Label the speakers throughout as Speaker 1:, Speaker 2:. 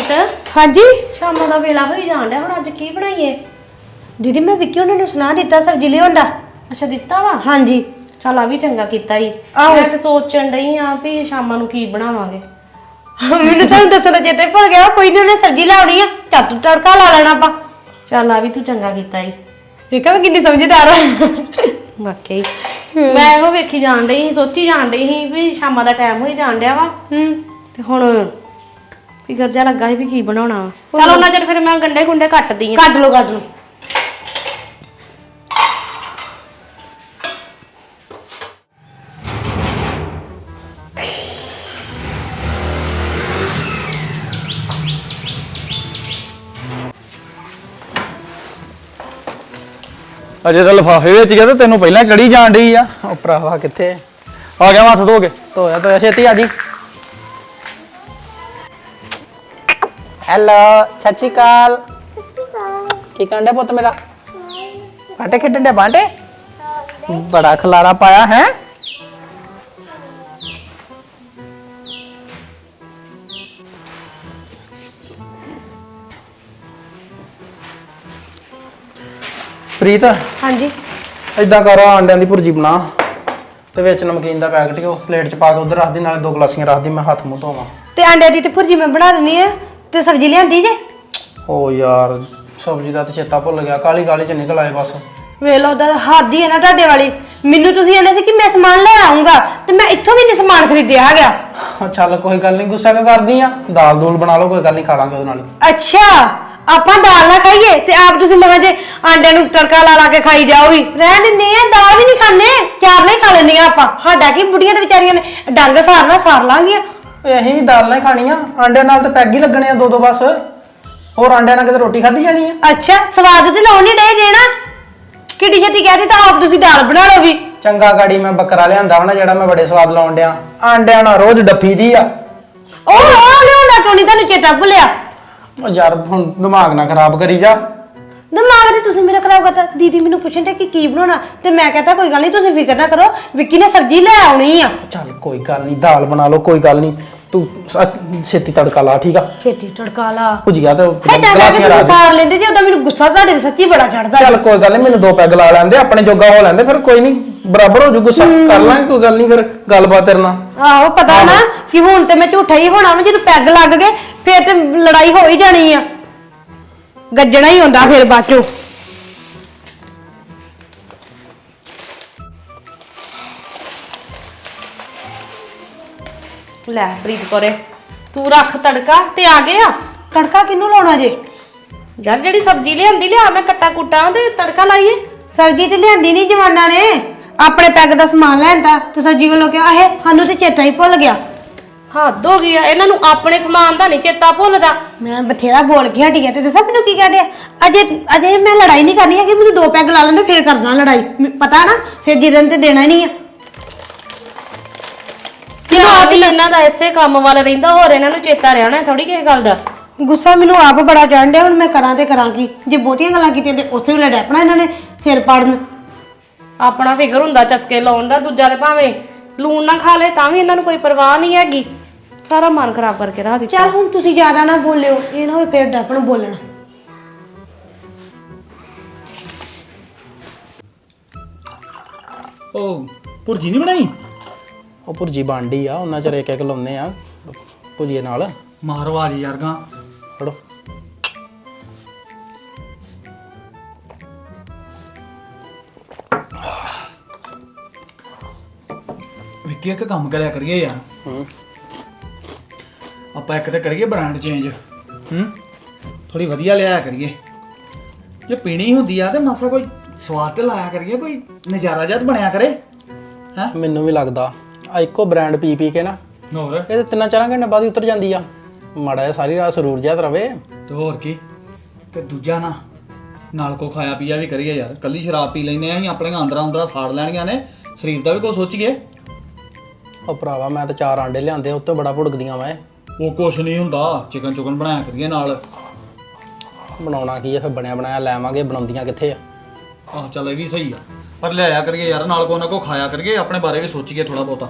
Speaker 1: ਪ੍ਰੀਤ
Speaker 2: हाँ जी
Speaker 1: ਸ਼ਾਮਾਂ ਦਾ ਵੇਲਾ ਹੋਈ ਜਾਣ ਡਿਆ ਹੁਣ ਅੱਜ ਕੀ ਬਣਾਈਏ?
Speaker 2: दीदी मैं विक्की उन्होंने सुना दिता सब्जी लियाउण दा।
Speaker 1: ਅੱਛਾ ਦਿੱਤਾ ਵਾ।
Speaker 2: हाँ जी
Speaker 1: ਚੱਲ ਆ ਵੀ ਚੰਗਾ ਕੀਤਾ ਈ।
Speaker 2: ਆਹੋ।
Speaker 1: ਮੈਂ ਤੇ ਸੋਚਣ ਡਈ ਆ ਵੀ ਸ਼ਾਮਾਂ ਨੂੰ ਕੀ ਬਣਾਵਾਂਗੇ।
Speaker 2: मैनू तो दसना चेते भुल गया कोई नहीं उन्हें सब्जी लाउणी आ झट तड़का ला लेना आपां।
Speaker 1: ਚੱਲ ਆ ਵੀ ਤੂੰ ਚੰਗਾ ਕੀਤਾ ਈ।
Speaker 2: देखा मैं कितनी समझदार हां
Speaker 1: ਵਾਕਈ ਮੈਂ ਇਹੋ ਵੇਖੀ ਜਾਣ ਡਈ ਸੀ ਸੋਚੀ ਜਾਣ ਡਈ ਸੀ ਵੀ ਸ਼ਾਮਾਂ ਦਾ ਟਾਈਮ ਹੋਈ ਜਾਣ ਡਿਆ ਵਾ ਤੇ ਹੁਣ ਫਿਕਰ ਜਿਹਾ ਲੱਗਾ ਸੀ ਵੀ ਕੀ ਬਣਾਉਣਾ ਵਾ। ਚੱਲ ਉਹਨਾਂ ਚਿਰ ਫਿਰ ਮੈਂ ਗੰਡੇ ਗੁੰਡੇ ਕੱਟਦੀ ਆ।
Speaker 2: काट लो
Speaker 3: ਅਜੇ ਤਾਂ ਲਿਫਾਫੇ ਵਿੱਚ ਗਿਆ ਤੇ ਤੈਨੂੰ ਪਹਿਲਾਂ ਚੜੀ ਜਾਣ ਡਈ ਆ।
Speaker 4: ਉਹ ਭਰਾਵਾ ਕਿੱਥੇ
Speaker 3: ਆ ਗਿਆ ਹੱਥ ਧੋ ਕੇ।
Speaker 4: ਧੋਇਆ ਛੇਤੀ ਆ ਜੀ। ਹੈਲੋ ਸਤਿ ਸ਼੍ਰੀ ਅਕਾਲ। ਕੀ ਕਰਨ ਡਿਆ ਪੁੱਤ ਮੇਰਾ? ਬਾਂਟੇ ਖੇਡਣ ਡਿਆ? ਬਾਂਟੇ ਬੜਾ ਖਲਾਰਾ ਪਾਇਆ ਹੈ। ਪ੍ਰੀਤ
Speaker 2: हाँ जी
Speaker 4: ਇਦਾਂ ਕਰ ਆਂਡਿਆਂ ਦੀ ਭੁਰਜੀ ਬਣਾ ਤੇ ਵਿੱਚ ਨਮਕੀਨ ਦਾ ਪੈਕਟ ਹੀ ਉਹ ਪਲੇਟ 'ਚ ਪਾ ਕੇ ਉਧਰ ਰੱਖ ਦੀ, ਨਾਲੇ 2 ਗਲਾਸੀਆਂ ਰੱਖ ਦੀ, ਮੈਂ ਹੱਥ ਮੂੰਹ ਧੋਵਾਂ।
Speaker 2: ते अंडे दी ते भुर्जी मैं बना देनी है ते सब्जी लियांदी जे।
Speaker 4: ਓ ਯਾਰ ਸਬਜ਼ੀ ਦਾ ਤੇ ਚੇਤਾ ਭੁੱਲ ਗਿਆ, ਕਾਲੀ ਕਾਲੀ 'ਚ ਨਿਕਲ ਆਏ ਬਸ।
Speaker 2: ਵੇਖ ਲਓ ਦਾ ਹੱਦ ਹੀ ਹੈ ਨਾ ਤੁਹਾਡੇ ਵਾਲੀ। ਮੈਨੂੰ ਤੁਸੀਂ ਕਹਿੰਦੇ ਸੀ ਕਿ ਮੈਂ ਸਮਾਨ ਲੈ ਆਉਂਗਾ ਤੇ ਮੈਂ ਇੱਥੋਂ ਵੀ ਨਹੀਂ ਸਮਾਨ ਖਰੀਦਿਆ ਹੈਗਾ।
Speaker 4: ਚੱਲ ਕੋਈ ਗੱਲ ਨਹੀਂ, ਗੁੱਸਾ ਕਿਉਂ ਕਰਦੀ ਆ? ਦਾਲ ਦੂਲ ਬਣਾ ਲਓ, ਕੋਈ ਗੱਲ ਨਹੀਂ, ਖਾ ਲਾਂਗੇ ਉਹਦੇ ਨਾਲ ਹੀ।
Speaker 2: ਅੱਛਾ ਆਪਾਂ ਦਾਲ ਨਾ ਖਾਈਏ ਤੇ ਆਪ ਤੁਸੀਂ ਮਹਾਂ ਜੇ ਆਂਡੇ ਨੂੰ ਤੜਕਾ ਲਾ ਕੇ ਖਾਈ ਜਾਓ ਵੀ ਰਹਿ ਦਿੰਨੇ ਆ। ਦਾਲ ਵੀ ਨਹੀਂ ਖਾਂਦੇ, ਚਾਰ ਨਹੀਂ ਖਾ ਲੈਂਦੇ ਆਪਾਂ। ਸਾਡਾ ਕੀ ਬੁੜੀਆਂ ਤੇ ਵਿਚਾਰੀਆਂ ਨੇ ਡੰਗ ਸਾਰਨਾ ਸਾਰ ਲਾਂਗੀਆਂ।
Speaker 4: ਓਏ ਅਸੀਂ ਵੀ ਦਾਲ ਨਾਲ ਹੀ ਖਾਣੀ ਆ, ਆਂਡਿਆਂ ਨਾਲ ਤਾਂ ਪੈਗ ਹੀ ਲੱਗਣੇ ਆ 2-2 ਬਸ। ਹੋਰ ਆਂਡਿਆਂ ਨਾਲ ਕਿਤੇ ਰੋਟੀ ਖਾਧੀ ਜਾਣੀ ਆ?
Speaker 2: ਅੱਛਾ ਸਵਾਦ ਤੇ ਲਾਉਣ ਨਹੀਂ ਡੇ ਜੇ ਨਾ। ਕਿੱਡੀ ਛੇਤੀ ਕਹਿਤੀ ਤਾਂ ਆਪ ਤੁਸੀਂ ਦਾਲ ਬਣਾ ਲਓ ਵੀ।
Speaker 4: ਚੰਗਾ ਗਾੜੀ ਮੈਂ ਬੱਕਰਾ ਲਿਆਂਦਾ ਵਾ ਨਾ ਜਿਹੜਾ ਮੈਂ ਬੜੇ ਸਵਾਦ ਲਾਉਣ ਡਿਆ। ਆਂਡਿਆਂ ਨਾਲ ਰੋਜ਼ ਡੱਫੀ ਦੀ ਆ।
Speaker 2: ਉਹ ਲਿਆਉਂਦਾ ਕਿਉਂ ਨਹੀਂ? ਤੁਹਾਨੂੰ ਚੇਤਾ ਭੁੱਲਿਆ?
Speaker 4: ਓ ਯਾਰ ਹੁਣ ਦਿਮਾਗ ਨਾ ਖਰਾਬ ਕਰੀ ਜਾ।
Speaker 2: ਦਿਮਾਗ ਤੇ ਤੁਸੀਂ ਮੇਰਾ ਖਰਾਬ ਕਰਤਾ। ਦੀਦੀ ਮੈਨੂੰ ਪੁੱਛਣ ਤੇ ਕਿ ਕੀ ਬਣਾਉਣਾ ਤੇ ਮੈਂ ਕਹਤਾ ਕੋਈ ਗੱਲ ਨਹੀਂ ਤੁਸੀਂ ਫਿਕਰ ਨਾ ਕਰੋ, ਵਿੱਕੀ ਨੇ ਸਬਜ਼ੀ ਲੈ ਆਉਣੀ ਆ।
Speaker 4: ਚੱਲ ਕੋਈ ਗੱਲ ਨਹੀਂ, ਦਾਲ ਬਣਾ ਲਓ, ਕੋਈ ਗੱਲ ਨਹੀਂ। ਤੂੰ ਛੇਤੀ ਤੜਕਾ ਲਾ, ਠੀਕ ਆ?
Speaker 2: ਛੇਤੀ ਤੜਕਾ ਲਾ।
Speaker 4: ਭੁਜੀਆ ਤੇ
Speaker 2: ਗਲਾਸੀਆਂ
Speaker 4: ਗਲਾਸੀਆਂ ਰੱਖ ਦੇ।
Speaker 2: ਸਾਰ ਲੈਂਦੇ ਜੇ ਉਹਦਾ ਮੈਨੂੰ ਗੁੱਸਾ ਤੁਹਾਡੇ ਤੇ ਸੱਚੀ ਬੜਾ ਚੜਦਾ।
Speaker 4: ਚੱਲ ਕੋਈ ਗੱਲ ਨਹੀਂ, ਮੈਨੂੰ 2 ਪੈਗ ਲਾ ਲੈਂਦੇ, ਆਪਣੇ ਜੋਗਾ ਹੋ ਲੈਂਦੇ, ਫਿਰ ਕੋਈ ਨਹੀਂ ਬਰਾਬਰ ਹੋ ਜੂ। ਗੁੱਸਾ ਕਰ ਲਾਂਗੇ, ਕੋਈ ਗੱਲ ਨਹੀਂ, ਫਿਰ ਗੱਲਬਾਤ ਤੇਰੇ ਨਾਲ।
Speaker 2: ਆਹੋ ਪਤਾ ਨਾ ਕਿ ਹੁਣ ਤੇ ਮੈਂ ਝੂਠਾ ਹੀ ਹੋਣਾ ਵਾ। ਜਦੋਂ ਪੈਗ ਲੱਗ ਗਏ ਫੇਰ ਤੇ ਲੜਾਈ ਹੋ ਹੀ ਜਾਣੀ ਆ। ਗੱਜਣਾ ਹੀ ਹੁੰਦਾ ਫਿਰ ਬਾਅਦ ਚੋਂ।
Speaker 1: ਲੈ ਪ੍ਰੀਤ ਕੋਰੇ ਤੂੰ ਰੱਖ ਤੜਕਾ ਤੇ ਆ ਗਏ ਆ।
Speaker 2: ਤੜਕਾ ਕਿਹਨੂੰ ਲਾਉਣਾ ਜੇ?
Speaker 1: ਯਾਰ ਜਿਹੜੀ ਸਬਜ਼ੀ ਲਿਆਂਦੀ ਲਿਆ ਮੈਂ ਕੱਟਾ ਕੁੱਟਾਂ ਤੇ ਤੜਕਾ ਲਾਈਏ।
Speaker 2: ਸਬਜ਼ੀ ਤੇ ਲਿਆਂਦੀ ਨਹੀਂ ਜਵਾਨਾਂ ਨੇ, ਆਪਣੇ ਪੈਗ ਦਾ ਸਮਾਨ ਲੈਂਦਾ ਤੇ ਸਬਜ਼ੀ ਵੱਲੋਂ ਕਿਹਾ ਇਹ ਸਾਨੂੰ ਤੇ ਚੇਤਾ ਹੀ ਭੁੱਲ ਗਿਆ।
Speaker 1: ਹੱਦ ਹੋ ਗਈ ਆ, ਇਹਨਾਂ ਨੂੰ ਆਪਣੇ ਸਮਾਨ ਦਾ ਨਹੀਂ ਚੇਤਾ ਭੁੱਲਦਾ।
Speaker 2: ਮੈਂ ਬਥੇਰਾ ਬੋਲ ਕੇ ਹਟੀ ਗਿਆ ਤੇ ਦੱਸਾਂ ਮੈਨੂੰ ਕੀ ਕਹਿੰਦੇ ਆ? ਅਜੇ ਮੈਂ ਲੜਾਈ ਨਹੀਂ ਕਰਨੀ ਹੈਗੀ, ਮੈਨੂੰ 2 ਪੈਗ ਲਾ ਲੈਂਦੇ ਫੇਰ ਕਰਦਾ ਲੜਾਈ। ਪਤਾ ਨਾ ਫੇਰ ਜਿੱਦਨ ਤੇ ਦੇਣਾ ਹੀ ਨਹੀਂ ਆ।
Speaker 1: ਧਿਆਨ ਵੀ ਇਹਨਾਂ ਦਾ ਇਸੇ ਕੰਮ ਵੱਲ ਰਹਿੰਦਾ, ਹੋਰ ਇਹਨਾਂ ਨੂੰ ਚੇਤਾ ਰਹਿਣਾ ਥੋੜੀ ਕਿਸੇ ਗੱਲ ਦਾ।
Speaker 2: ਗੁੱਸਾ ਮੈਨੂੰ ਆਪ ਬੜਾ ਚੜ੍ਹਨ ਡਿਆ। ਹੁਣ ਮੈਂ ਕਰਾਂ ਤੇ ਕਰਾਂ ਕੀ? ਜੇ ਬਹੁਤੀਆਂ ਗੱਲਾਂ ਕੀਤੀਆਂ ਤੇ ਉਸੇ ਵੇਲੇ ਡੈਪਣਾ ਇਹਨਾਂ ਨੇ ਸਿਰ ਪਾੜਨ।
Speaker 1: ਆਪਣਾ ਫਿਕਰ ਹੁੰਦਾ ਚਸਕੇ ਲਾਉਣ ਦਾ, ਦੂਜਾ ਦੇ ਭਾਵੇਂ ਲੂਣ ਨਾ ਖਾ ਲੇ ਤਾਂ ਵੀ ਇਹਨਾਂ ਨੂੰ ਕੋਈ ਪਰਵਾਹ ਨਹੀਂ ਹੈਗੀ। ਸਾਰਾ ਮਨ ਖਰਾਬ ਕਰਕੇ ਰੱਖ ਦਿੱਤਾ।
Speaker 2: ਚੱਲ ਹੁਣ ਤੁਸੀਂ ਜ਼ਿਆਦਾ ਨਾ ਬੋਲਿਓ, ਇਹ ਨਾ ਹੋਏ ਫੇਰ ਡੈਪਣ ਬੋਲਣ।
Speaker 3: ਉਹ ਭੁਰਜੀ ਨਹੀਂ ਬਣਾਈ?
Speaker 4: ਉਹ ਭੁਰਜੀ ਬਣਦੀ ਆ, ਉਹਨਾਂ ਚਿਰ ਇੱਕ ਲਾਉਨੇ ਆ ਭੁਜੀਏ ਨਾਲ।
Speaker 3: ਮਾਰੋ ਆਜ ਯਾਰ ਗਾ
Speaker 4: ਫੜੋ।
Speaker 3: ਵਿੱਕੀ ਇੱਕ ਕੰਮ ਕਰਿਆ ਕਰੀਏ ਯਾਰ। ਆਪਾਂ ਇੱਕ ਤੇ ਕਰੀਏ ਬ੍ਰਾਂਡ ਚੇਂਜ। ਥੋੜੀ ਵਧੀਆ ਲਿਆਇਆ ਕਰੀਏ। ਜੇ ਪੀਣੀ ਹੁੰਦੀ ਆ ਤੇ ਮਾਸਾ ਕੋਈ ਸਵਾਦ ਤੇ ਲਾਇਆ ਕਰੀਏ, ਕੋਈ ਨਜ਼ਾਰਾ ਜਦ ਬਣਿਆ ਕਰੇ। ਹੈ
Speaker 4: ਮੈਨੂੰ ਵੀ ਲੱਗਦਾ ਆ ਇੱਕੋ ਬ੍ਰਾਂਡ ਪੀ ਪੀ ਕੇ ਨਾ
Speaker 3: ਹੋਰ
Speaker 4: ਇਹ ਤੇ 3-4 ਘੰਟੇ ਬਾਅਦ ਹੀ ਉਤਰ ਜਾਂਦੀ ਆ। ਮਾੜਾ ਜਿਹਾ ਸਾਰੀ ਰਾਤ ਸਰੂਰ ਜਿਹਾ ਰਵੇ
Speaker 3: ਤੇ ਹੋਰ ਕੀ। ਤੇ ਦੂਜਾ ਨਾ ਨਾਲ ਕੋ ਖਾਇਆ ਪੀਆ ਵੀ ਕਰੀਏ ਯਾਰ। ਕੱਲੀ ਸ਼ਰਾਬ ਪੀ ਲੈਨੇ ਆ ਅਸੀਂ, ਆਪਣੀਆਂ ਅੰਦਰਾਂ ਸਾੜ ਲੈਣੀਆਂ ਨੇ। ਸਰੀਰ ਦਾ ਵੀ ਕੋਈ ਸੋਚੀਏ।
Speaker 4: ਉਹ ਭਰਾਵਾ ਮੈਂ ਤਾਂ 4 ਆਂਡੇ ਲਿਆਂਦੇ, ਉੱਤੇ ਬੜਾ ਭੁੜਕਦੀਆਂ ਵਾ।
Speaker 3: ਉਹ ਕੁਛ ਨਹੀਂ ਹੁੰਦਾ, ਚਿਕਨ ਚੁਕਨ ਬਣਾਇਆ ਕਰੀਏ ਨਾਲ।
Speaker 4: ਬਣਾਉਣਾ ਕੀ ਆ ਫਿਰ? ਬਣਿਆ ਬਣਾਇਆ ਲੈਵਾਂਗੇ, ਬਣਾਉਂਦੀਆਂ ਕਿੱਥੇ ਆ?
Speaker 3: ਆਹ ਚੱਲ ਇਹ ਵੀ ਸਹੀ ਆ, ਪਰ ਲਿਆਇਆ ਕਰੀਏ ਯਾਰ ਨਾਲ ਕੋ ਨਾ ਕੋ ਖਾਇਆ ਕਰੀਏ, ਆਪਣੇ ਬਾਰੇ ਵੀ ਸੋਚੀਏ ਥੋੜਾ ਬਹੁਤਾ।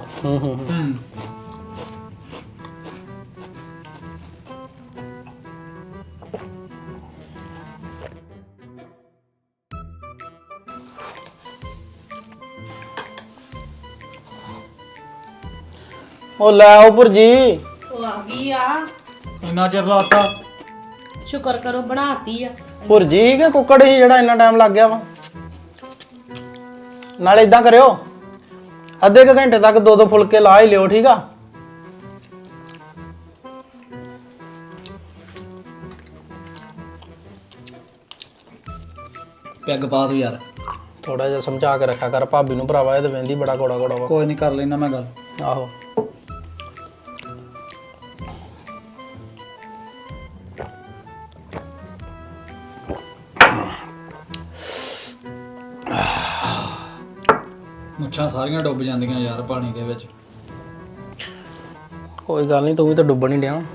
Speaker 4: ਉਹ ਲੈ ਆਓ ਭੁਰਜੀ।
Speaker 1: ਉਹ ਆ ਗਈ ਆ।
Speaker 3: ਇੰਨਾ ਚਿਰ ਲਾਤਾ।
Speaker 1: ਸ਼ੁਕਰ ਕਰੋ ਬਣਾਤੀ ਆ।
Speaker 4: ਭੁਰਜੀ ਕਿ ਕੁੱਕੜ ਹੀ ਜਿਹੜਾ ਇੰਨਾ ਟਾਈਮ ਲੱਗ ਗਿਆ ਵਾ? ਨਾਲੇ ਇਦਾਂ ਕਰਿਓ, ਅੱਧੇ ਕੁ ਘੰਟੇ ਤੱਕ 2-2 ਫੁਲਕੇ ਲਾ ਹੀ ਲਿਓ, ਠੀਕ ਆ?
Speaker 3: ਪੈਗ ਪਾ ਦੋ ਯਾਰ।
Speaker 4: ਥੋੜਾ ਜਿਹਾ ਸਮਝਾ ਕੇ ਰੱਖਿਆ ਕਰ ਭਾਬੀ ਨੂੰ ਭਰਾਵਾ, ਇਹ ਤਾਂ ਵਹਿੰਦੀ ਬੜਾ ਕੋੜਾ ਕੋੜਾ ਵਾ।
Speaker 3: ਕੋਈ ਨਹੀਂ, ਕਰ ਲੈਣਾ ਮੈਂ ਗੱਲ।
Speaker 4: ਆਹੋ
Speaker 3: ਮੁੱਛਾਂ ਸਾਰੀਆਂ ਡੁੱਬ ਜਾਂਦੀਆਂ ਯਾਰ ਪਾਣੀ ਦੇ ਵਿੱਚ।
Speaker 4: ਕੋਈ ਗੱਲ ਨਹੀਂ, ਤੂੰ ਵੀ ਤਾਂ ਡੁੱਬਣ ਹੀ ਡਿਆ।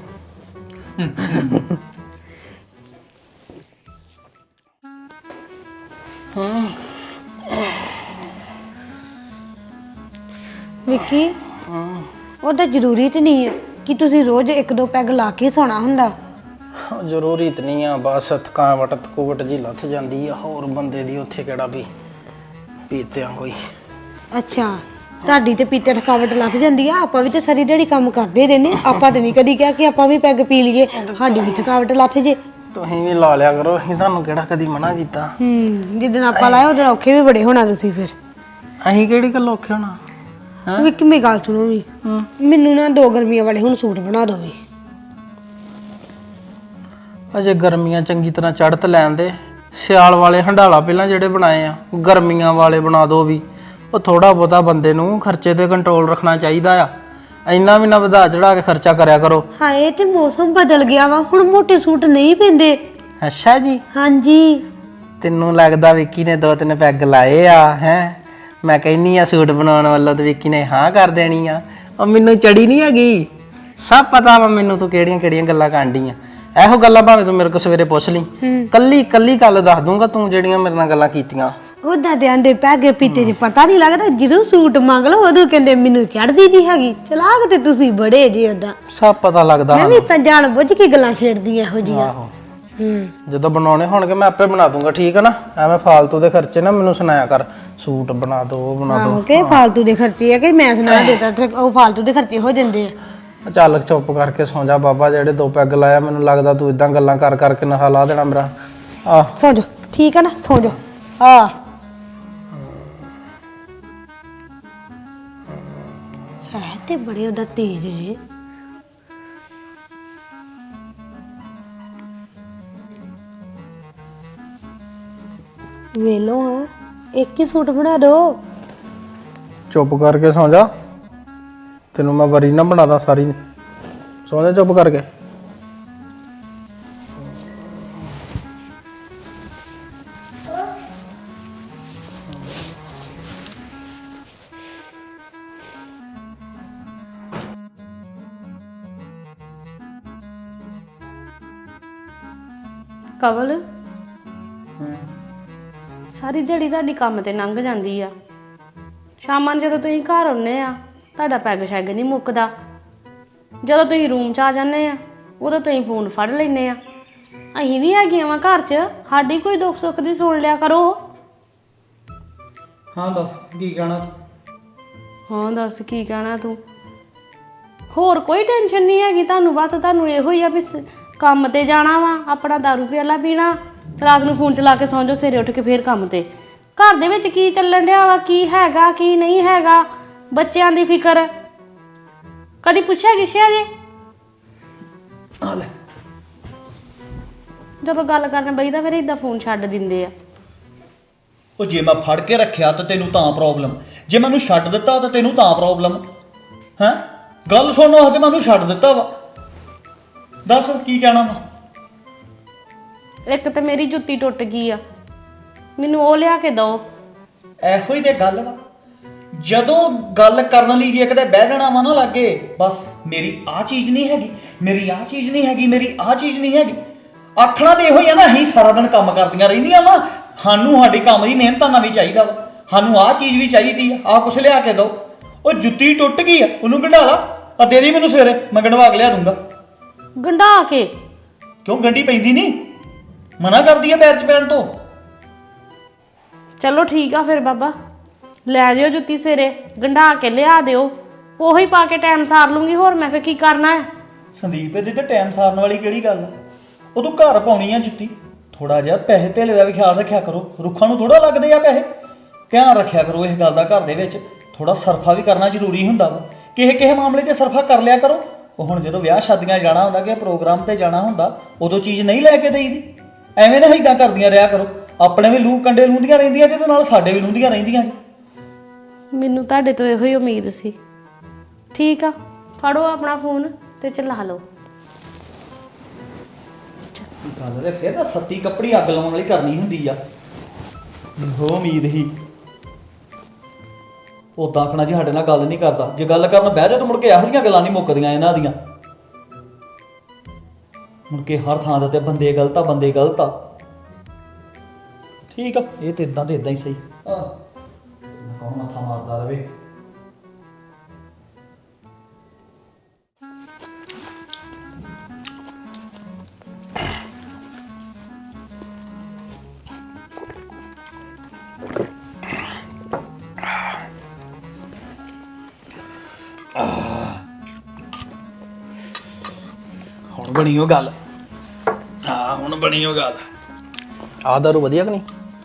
Speaker 2: ਵਿੱਕੀ ਉਹ ਤਾਂ ਜ਼ਰੂਰੀ ਤੇ ਨਹੀਂ ਹੈ ਕਿ ਤੁਸੀਂ ਰੋਜ਼ 1-2 ਪੈਗ ਲਾ ਕੇ ਸੌਣਾ ਹੁੰਦਾ।
Speaker 4: ਜ਼ਰੂਰੀ ਤਾਂ ਨਹੀਂ ਆ, ਬਸ ਥਕਾਵਟ ਥਕੂਵਟ ਜੀ ਲੱਥ ਜਾਂਦੀ ਆ। ਹੋਰ ਬੰਦੇ ਦੀ ਉੱਥੇ ਕਿਹੜਾ ਵੀ ਪੀਤਿਆਂ ਕੋਈ।
Speaker 2: ਅੱਛਾ, ਤੁਹਾਡੀ ਤੇ ਪੀਤੇ ਥਕਾਵਟ ਲੱਥ ਜਾਂਦੀ ਆ। ਆਪਾਂ ਵੀ ਤੇ ਸਾਰੀ ਦਿਹਾੜੀ ਕੰਮ ਕਰਦੇ ਰਹਿੰਦੇ, ਆਪਾਂ ਤੇ ਨਹੀਂ ਕਦੀ ਕਿਹਾ ਕਿ ਆਪਾਂ ਵੀ ਪੈਗ ਪੀ ਲਈਏ, ਸਾਡੀ ਵੀ ਥਕਾਵਟ ਲੱਥ ਜੇ।
Speaker 4: ਤੁਸੀਂ ਵੀ ਲਾ ਲਿਆ ਕਰੋ, ਅਸੀਂ ਤੁਹਾਨੂੰ ਕਿਹੜਾ ਕਦੀ ਮਨਾ ਕੀਤਾ।
Speaker 2: ਜਿੱਦਣ ਆਪਾਂ ਲਾਇਆ ਉਦੋਂ ਔਖੇ ਵੀ ਬੜੇ ਹੋਣਾ ਤੁਸੀਂ ਫਿਰ।
Speaker 4: ਅਸੀਂ ਕਿਹੜੀ ਗੱਲ ਔਖੇ ਹੋਣਾ।
Speaker 2: ਵਿੱਕੀ ਮੇਰੀ ਗੱਲ ਸੁਣੋ ਵੀ, ਮੈਨੂੰ ਨਾ 2 ਗਰਮੀਆਂ ਵਾਲੇ ਹੁਣ ਸੂਟ ਬਣਾ ਦਿਓ ਵੀ।
Speaker 4: ਅਜੇ ਗਰਮੀਆਂ ਚੰਗੀ ਤਰ੍ਹਾਂ ਚੜ੍ਹਤ ਲੈਣ ਦੇ। ਸਿਆਲ ਵਾਲੇ ਹੰਡਾਲਾ ਪਹਿਲਾਂ ਜਿਹੜੇ ਬਣਾਏ ਆ, ਗਰਮੀਆਂ ਵਾਲੇ ਬਣਾ ਦਿਓ ਵੀ। ਉਹ ਥੋੜਾ ਬਹੁਤਾ ਬੰਦੇ ਨੂੰ ਖਰਚੇ ਤੇ ਕੰਟਰੋਲ ਰੱਖਣਾ ਚਾਹੀਦਾ ਆ। ਇੰਨਾ ਵੀ ਨਾ ਵਧਾ ਚੜਾ ਕੇ ਖਰਚਾ ਕਰਿਆ ਕਰੋ।
Speaker 2: ਹਾਏ ਤੇ ਮੌਸਮ ਬਦਲ ਗਿਆ ਵਾ, ਹੁਣ ਮੋਟੇ ਸੂਟ ਨਹੀਂ ਪੈਂਦੇ।
Speaker 4: ਅੱਛਾ ਜੀ,
Speaker 2: ਹਾਂਜੀ।
Speaker 4: ਤੈਨੂੰ ਲੱਗਦਾ ਵਿੱਕੀ ਨੇ 2-3 ਪੈਗ ਲਾਏ ਆ ਹੈ? ਮੈਂ ਕਹਿੰਨੀ ਆ ਸੂਟ ਬਣਾਉਣ ਵੱਲੋਂ ਤੇ ਵਿੱਕੀ ਨੇ ਹਾਂ ਕਰ ਦੇਣੀ ਆ। ਉਹ ਮੈਨੂੰ ਚੜੀ ਨਹੀਂ ਹੈਗੀ, ਸਭ ਪਤਾ ਵਾ ਮੈਨੂੰ ਤੂੰ ਕਿਹੜੀਆਂ ਕਿਹੜੀਆਂ ਗੱਲਾਂ ਕਰਦੀ ਆ। ਇਹੋ ਗੱਲਾਂ ਭਾਵੇਂ ਤੂੰ ਮੇਰੇ ਕੋਲ ਸਵੇਰੇ ਪੁੱਛ ਲਈ, ਕੱਲੀ ਕੱਲੀ ਗੱਲ ਦੱਸ ਦੂੰਗਾ ਤੂੰ ਜਿਹੜੀਆਂ ਮੇਰੇ ਨਾਲ ਗੱਲਾਂ ਕੀਤੀਆਂ।
Speaker 2: ਉਹਦਾ ਦੇ ਆਂਦੇ ਪੈਗੇ ਪੀਤੇ ਚ ਪਤਾ ਨਹੀਂ ਲੱਗਦਾ, ਜਦੋਂ ਸੂਟ ਮੰਗ ਲਓ ਉਦੋਂ ਕਹਿੰਦੇ ਮੈਨੂੰ ਚੜਦੀ ਨਹੀਂ ਹੈਗੀ। ਚਲਾਕ ਤੇ ਤੁਸੀਂ ਬੜੇ ਜੇ ਉਹਦਾ।
Speaker 4: ਸਭ ਪਤਾ ਲੱਗਦਾ
Speaker 2: ਮੈਂ ਵੀ ਤਾਂ ਜਾਣ ਬੁੱਝ ਕੇ ਗੱਲਾਂ ਛੇੜਦੀ ਇਹੋ ਜੀਆਂ।
Speaker 4: ਆਹੋ, ਜਦੋਂ ਬਣਾਉਣੇ ਹੋਣਗੇ ਮੈਂ ਆਪੇ ਬਣਾ ਦੂੰਗਾ, ਠੀਕ ਹੈ ਨਾ? ਐਵੇਂ ਫਾਲਤੂ ਦੇ ਖਰਚੇ ਨਾ ਮੈਨੂੰ ਸੁਣਾਇਆ ਕਰ, ਸੂਟ ਬਣਾ ਦੋ ਉਹ ਬਣਾ ਦੋ।
Speaker 2: ਕਿ ਫਾਲਤੂ ਦੇ ਖਰਚੇ ਆ ਕਿ ਮੈਂ ਸੁਣਾ ਦੇਤਾ ਤੇ ਉਹ ਫਾਲਤੂ ਦੇ ਖਰਚੇ ਹੋ ਜਾਂਦੇ ਆ।
Speaker 4: ਚੱਲ ਚੁੱਪ ਕਰਕੇ ਸੌਂ ਜਾ ਬਾਬਾ, ਜਿਹੜੇ 2 ਪੈਗ ਲਾਇਆ ਮੈਨੂੰ ਲੱਗਦਾ ਤੂੰ ਇਦਾਂ ਗੱਲਾਂ ਕਰ ਕਰਕੇ ਨਸ਼ਾ ਲਾ ਦੇਣਾ ਮੇਰਾ। ਆਹ
Speaker 2: ਸੌ ਜਾ, ਠੀਕ ਹੈ ਨਾ? ਸੌ ਜਾ। ਆ ਹੈ ਤੇ ਬੜੇ ਉਹਦਾ ਤੇਜ਼ ਜੇ। ਵੇਲੋ ਹਾਂ, ਇੱਕ ਹੀ ਸੂਟ ਬਣਾ ਦੋ।
Speaker 4: ਚੁੱਪ ਕਰਕੇ ਸੌਂ ਜਾ, ਤੈਨੂੰ ਮੈਂ ਵਰੀ ਨਾ ਬਣਾਦਾ ਸਾਰੀ। ਸੌਂ ਜਾ ਚੁੱਪ ਕਰਕੇ।
Speaker 1: ਕਵਲ, ਸਾਰੀ ਦਿਹਾੜੀ ਤੁਹਾਡੀ ਕੰਮ ਤੇ ਲੰਘ ਜਾਂਦੀ ਆ। ਸ਼ਾਮਾਂ ਨੂੰ ਜਦੋਂ ਤੁਸੀਂ ਘਰ ਆਉਂਦੇ ਆ ਤੁਹਾਡਾ ਪੈਗ ਸ਼ੈਗ ਨਹੀਂ ਮੁੱਕਦਾ। ਜਦੋਂ ਤੁਸੀਂ ਰੂਮ 'ਚ ਆ ਜਾਂਦੇ ਆ ਉਦੋਂ ਤੁਸੀਂ ਫੋਨ ਫੜ ਲੈਂਦੇ ਆ। ਅਸੀਂ ਵੀ ਹੈਗੀਆਂ ਵਾ ਘਰ 'ਚ, ਸਾਡੀ ਕੋਈ ਦੁੱਖ ਸੁੱਖ ਦੀ ਸੁਣ ਲਿਆ ਕਰੋ।
Speaker 3: ਹਾਂ ਦੱਸ ਕੀ ਕਹਿਣਾ?
Speaker 1: ਹਾਂ ਦੱਸ ਕੀ ਕਹਿਣਾ ਤੂੰ? ਹੋਰ ਕੋਈ ਟੈਨਸ਼ਨ ਨਹੀਂ ਹੈਗੀ ਤੁਹਾਨੂੰ, ਬਸ ਤੁਹਾਨੂੰ ਇਹੋ ਹੀ ਆ ਵੀ ਕੰਮ ਤੇ ਜਾਣਾ ਵਾ, ਆਪਣਾ ਦਾਰੂ ਪਿਆਲਾ ਪੀਣਾ, ਰਾਤ ਨੂੰ ਫੋਨ ਚਲਾ ਕੇ ਸੌਂ ਜਾਓ, ਸਵੇਰੇ ਉੱਠ ਕੇ ਫੇਰ ਕੰਮ ਤੇ। ਘਰ ਦੇ ਵਿੱਚ ਕੀ ਚੱਲਣ ਡਿਆ ਵਾ, ਕੀ ਹੈਗਾ ਕੀ ਨਹੀਂ ਹੈਗਾ, ਬੱਚਿਆਂ ਦੀ ਫਿਕਰ ਕਦੀ ਪੁੱਛਿਆ ਗਿੱਛਿਆ ਜੇ? ਜਦੋਂ ਗੱਲ ਕਰਨ ਬਈਦਾ ਫਿਰ ਏਦਾਂ ਫੋਨ ਛੱਡ ਦਿੰਦੇ ਆ।
Speaker 3: ਉਹ ਜੇ ਮੈਂ ਫੜ ਕੇ ਰੱਖਿਆ ਤਾਂ ਤੈਨੂੰ ਤਾਂ ਪ੍ਰੋਬਲਮ, ਜੇ ਮੈਨੂੰ ਛੱਡ ਦਿੱਤਾ ਤਾਂ ਤੈਨੂੰ ਤਾਂ ਪ੍ਰੋਬਲਮ ਹੈ? ਗੱਲ ਸੁਣੋ, ਹਜੇ ਮੈਨੂੰ ਛੱਡ ਦਿੱਤਾ ਵਾ, ਦੱਸ ਕੀ ਕਹਿਣਾ ਵਾ?
Speaker 1: ਇੱਕ ਤਾਂ ਮੇਰੀ ਜੁੱਤੀ ਟੁੱਟ ਗਈ ਆ, ਮੈਨੂੰ ਉਹ ਲਿਆ ਕੇ ਦਿਓ।
Speaker 3: ਇਹੋ ਹੀ ਤੇ ਗੱਲ ਵਾ, ਜਦੋਂ ਗੱਲ ਕਰਨ ਲਈ ਜੇ ਕਿਤੇ ਬਹਿ ਜਾਣਾ ਵਾ ਨਾ ਲੱਗੇ, ਬਸ ਮੇਰੀ ਆਹ ਚੀਜ਼ ਨਹੀਂ ਹੈਗੀ, ਮੇਰੀ ਆਹ ਚੀਜ਼ ਨਹੀਂ ਹੈਗੀ, ਮੇਰੀ ਆਹ ਚੀਜ਼ ਨਹੀਂ ਹੈਗੀ। ਆਖਣਾ ਤੇ ਇਹੋ ਹੀ ਆ ਨਾ, ਅਸੀਂ ਸਾਰਾ ਦਿਨ ਕੰਮ ਕਰਦੀਆਂ ਰਹਿੰਦੀਆਂ ਵਾ, ਸਾਨੂੰ ਸਾਡੀ ਕੰਮ ਦੀ ਮਿਹਨਤਾਂ ਨਾਲ ਵੀ ਚਾਹੀਦਾ ਵਾ, ਸਾਨੂੰ ਆਹ ਚੀਜ਼ ਵੀ ਚਾਹੀਦੀ ਆ, ਆਹ ਕੁਛ ਲਿਆ ਕੇ ਦਿਓ। ਉਹ ਜੁੱਤੀ ਟੁੱਟ ਗਈ ਆ, ਉਹਨੂੰ ਗੰਢਾ ਲਾ, ਆ ਦੇ ਦੀ ਮੈਨੂੰ ਸਵੇਰੇ, ਮੈਂ ਗੰਢਵਾ ਕੇ ਲਿਆ ਦੂੰਗਾ।
Speaker 1: ਗੰਢਾ ਕੇ?
Speaker 3: ਕਿਉਂ ਗੰਢੀ ਪੈਂਦੀ ਨਹੀਂ? ਮਨਾ ਕਰਦੀ ਆ ਪੈਰ 'ਚ ਪੈਣ ਤੋਂ।
Speaker 1: ਚਲੋ ਠੀਕ ਆ ਫਿਰ ਬਾਬਾ, ਲੈ ਜਿਓ ਜੁੱਤੀ ਸਵੇਰੇ, ਗੰਢਾ ਕੇ ਲਿਆ ਦਿਓ, ਉਹੀ ਪਾ ਕੇ ਟਾਈਮ ਸਾਰ ਲੂੰਗੀ, ਹੋਰ ਮੈਂ ਫੇਰ ਕੀ ਕਰਨਾ ਹੈ।
Speaker 3: ਸੰਦੀਪ ਇਹਦੇ ਤੇ ਟਾਈਮ ਸਾਰਨ ਵਾਲੀ ਕਿਹੜੀ ਗੱਲ ਆ? ਉਹ ਤੂੰ ਘਰ ਪਾਉਣੀ ਆ ਜੁੱਤੀ, ਥੋੜਾ ਜਿਹਾ ਪੈਸੇ ਧੇਲੇ ਦਾ ਵੀ ਖਿਆਲ ਰੱਖਿਆ ਕਰੋ। ਰੁੱਖਾਂ ਨੂੰ ਥੋੜਾ ਲੱਗਦੇ ਆ ਪੈਸੇ, ਧਿਆਨ ਰੱਖਿਆ ਕਰੋ ਇਸ ਗੱਲ ਦਾ। ਘਰ ਦੇ ਵਿੱਚ ਥੋੜਾ ਸਰਫਾ ਵੀ ਕਰਨਾ ਜ਼ਰੂਰੀ ਹੁੰਦਾ ਵਾ, ਕਿਸੇ ਮਾਮਲੇ 'ਚ ਸਰਫਾ ਕਰ ਲਿਆ ਕਰੋ। ਉਹ ਹੁਣ ਜਦੋਂ ਵਿਆਹ ਸ਼ਾਦੀਆਂ ਜਾਣਾ ਹੁੰਦਾ ਕਿ ਪ੍ਰੋਗਰਾਮ ਤੇ ਜਾਣਾ ਹੁੰਦਾ, ਉਦੋਂ ਚੀਜ਼ ਨਹੀਂ ਲੈ ਕੇ ਦੇਈਦੀ। ਐਵੇਂ ਨਾ ਏਦਾਂ ਕਰਦੀਆਂ ਰਿਹਾ ਕਰੋ। ਆਪਣੇ ਵੀ ਲੂ ਕੰਡੇ ਲੂੰਦੀਆਂ ਰਹਿੰਦੀਆਂ ਤੇ ਨਾਲ ਸਾਡੇ ਵੀ ਲੂੰਦੀਆਂ ਰਹਿੰਦੀਆਂ ਜੀ।
Speaker 1: ਮੈਨੂੰ ਤੁਹਾਡੇ ਤੋਂ ਇਹੋ ਹੀ ਉਮੀਦ ਸੀ। ਠੀਕ ਆ, ਫੜੋ ਆਪਣਾ ਫੋਨ ਤੇ ਚਲਾ ਲਓ।
Speaker 3: ਗੱਲ ਤੇ ਫੇਰ ਤਾਂ ਸੱਤੀ ਕੱਪੜੀ ਅੱਗ ਲਾਉਣ ਵਾਲੀ ਕਰਨੀ ਹੁੰਦੀ ਆ। ਹੋ ਉਮੀਦ ਹੀ ਉਦਾਂ ਆਖਣਾ ਜੀ ਸਾਡੇ ਨਾਲ ਗੱਲ ਨਹੀਂ ਕਰਦਾ, ਜੇ ਗੱਲ ਕਰਨ ਬਹਿ ਜਾ ਤਾਂ ਮੁੜ ਕੇ ਇਹੋ ਜਿਹੀਆਂ ਗੱਲਾਂ ਨਹੀਂ ਮੁੱਕਦੀਆਂ ਇਹਨਾਂ ਦੀਆਂ। ਮੁੜ ਕੇ ਹਰ ਥਾਂ ਦੇ ਉੱਤੇ ਬੰਦੇ ਗਲਤ ਆ, ਬੰਦੇ ਗਲਤ ਆ। ਠੀਕ ਆ, ਇਹ ਤੇ ਇਦਾਂ ਹੀ ਸਹੀ। ਕੌਣ ਮੱਥਾ ਮਾਰਦਾ ਰਵੇ। ਹੁਣ ਬਣੀ ਉਹ ਗੱਲ। ਹਾਂ ਹੁਣ ਬਣੀ ਉਹ ਗੱਲ।
Speaker 4: ਆਹ ਦਾਰੂ ਵਧੀਆ ਕਿ ਨਹੀਂ?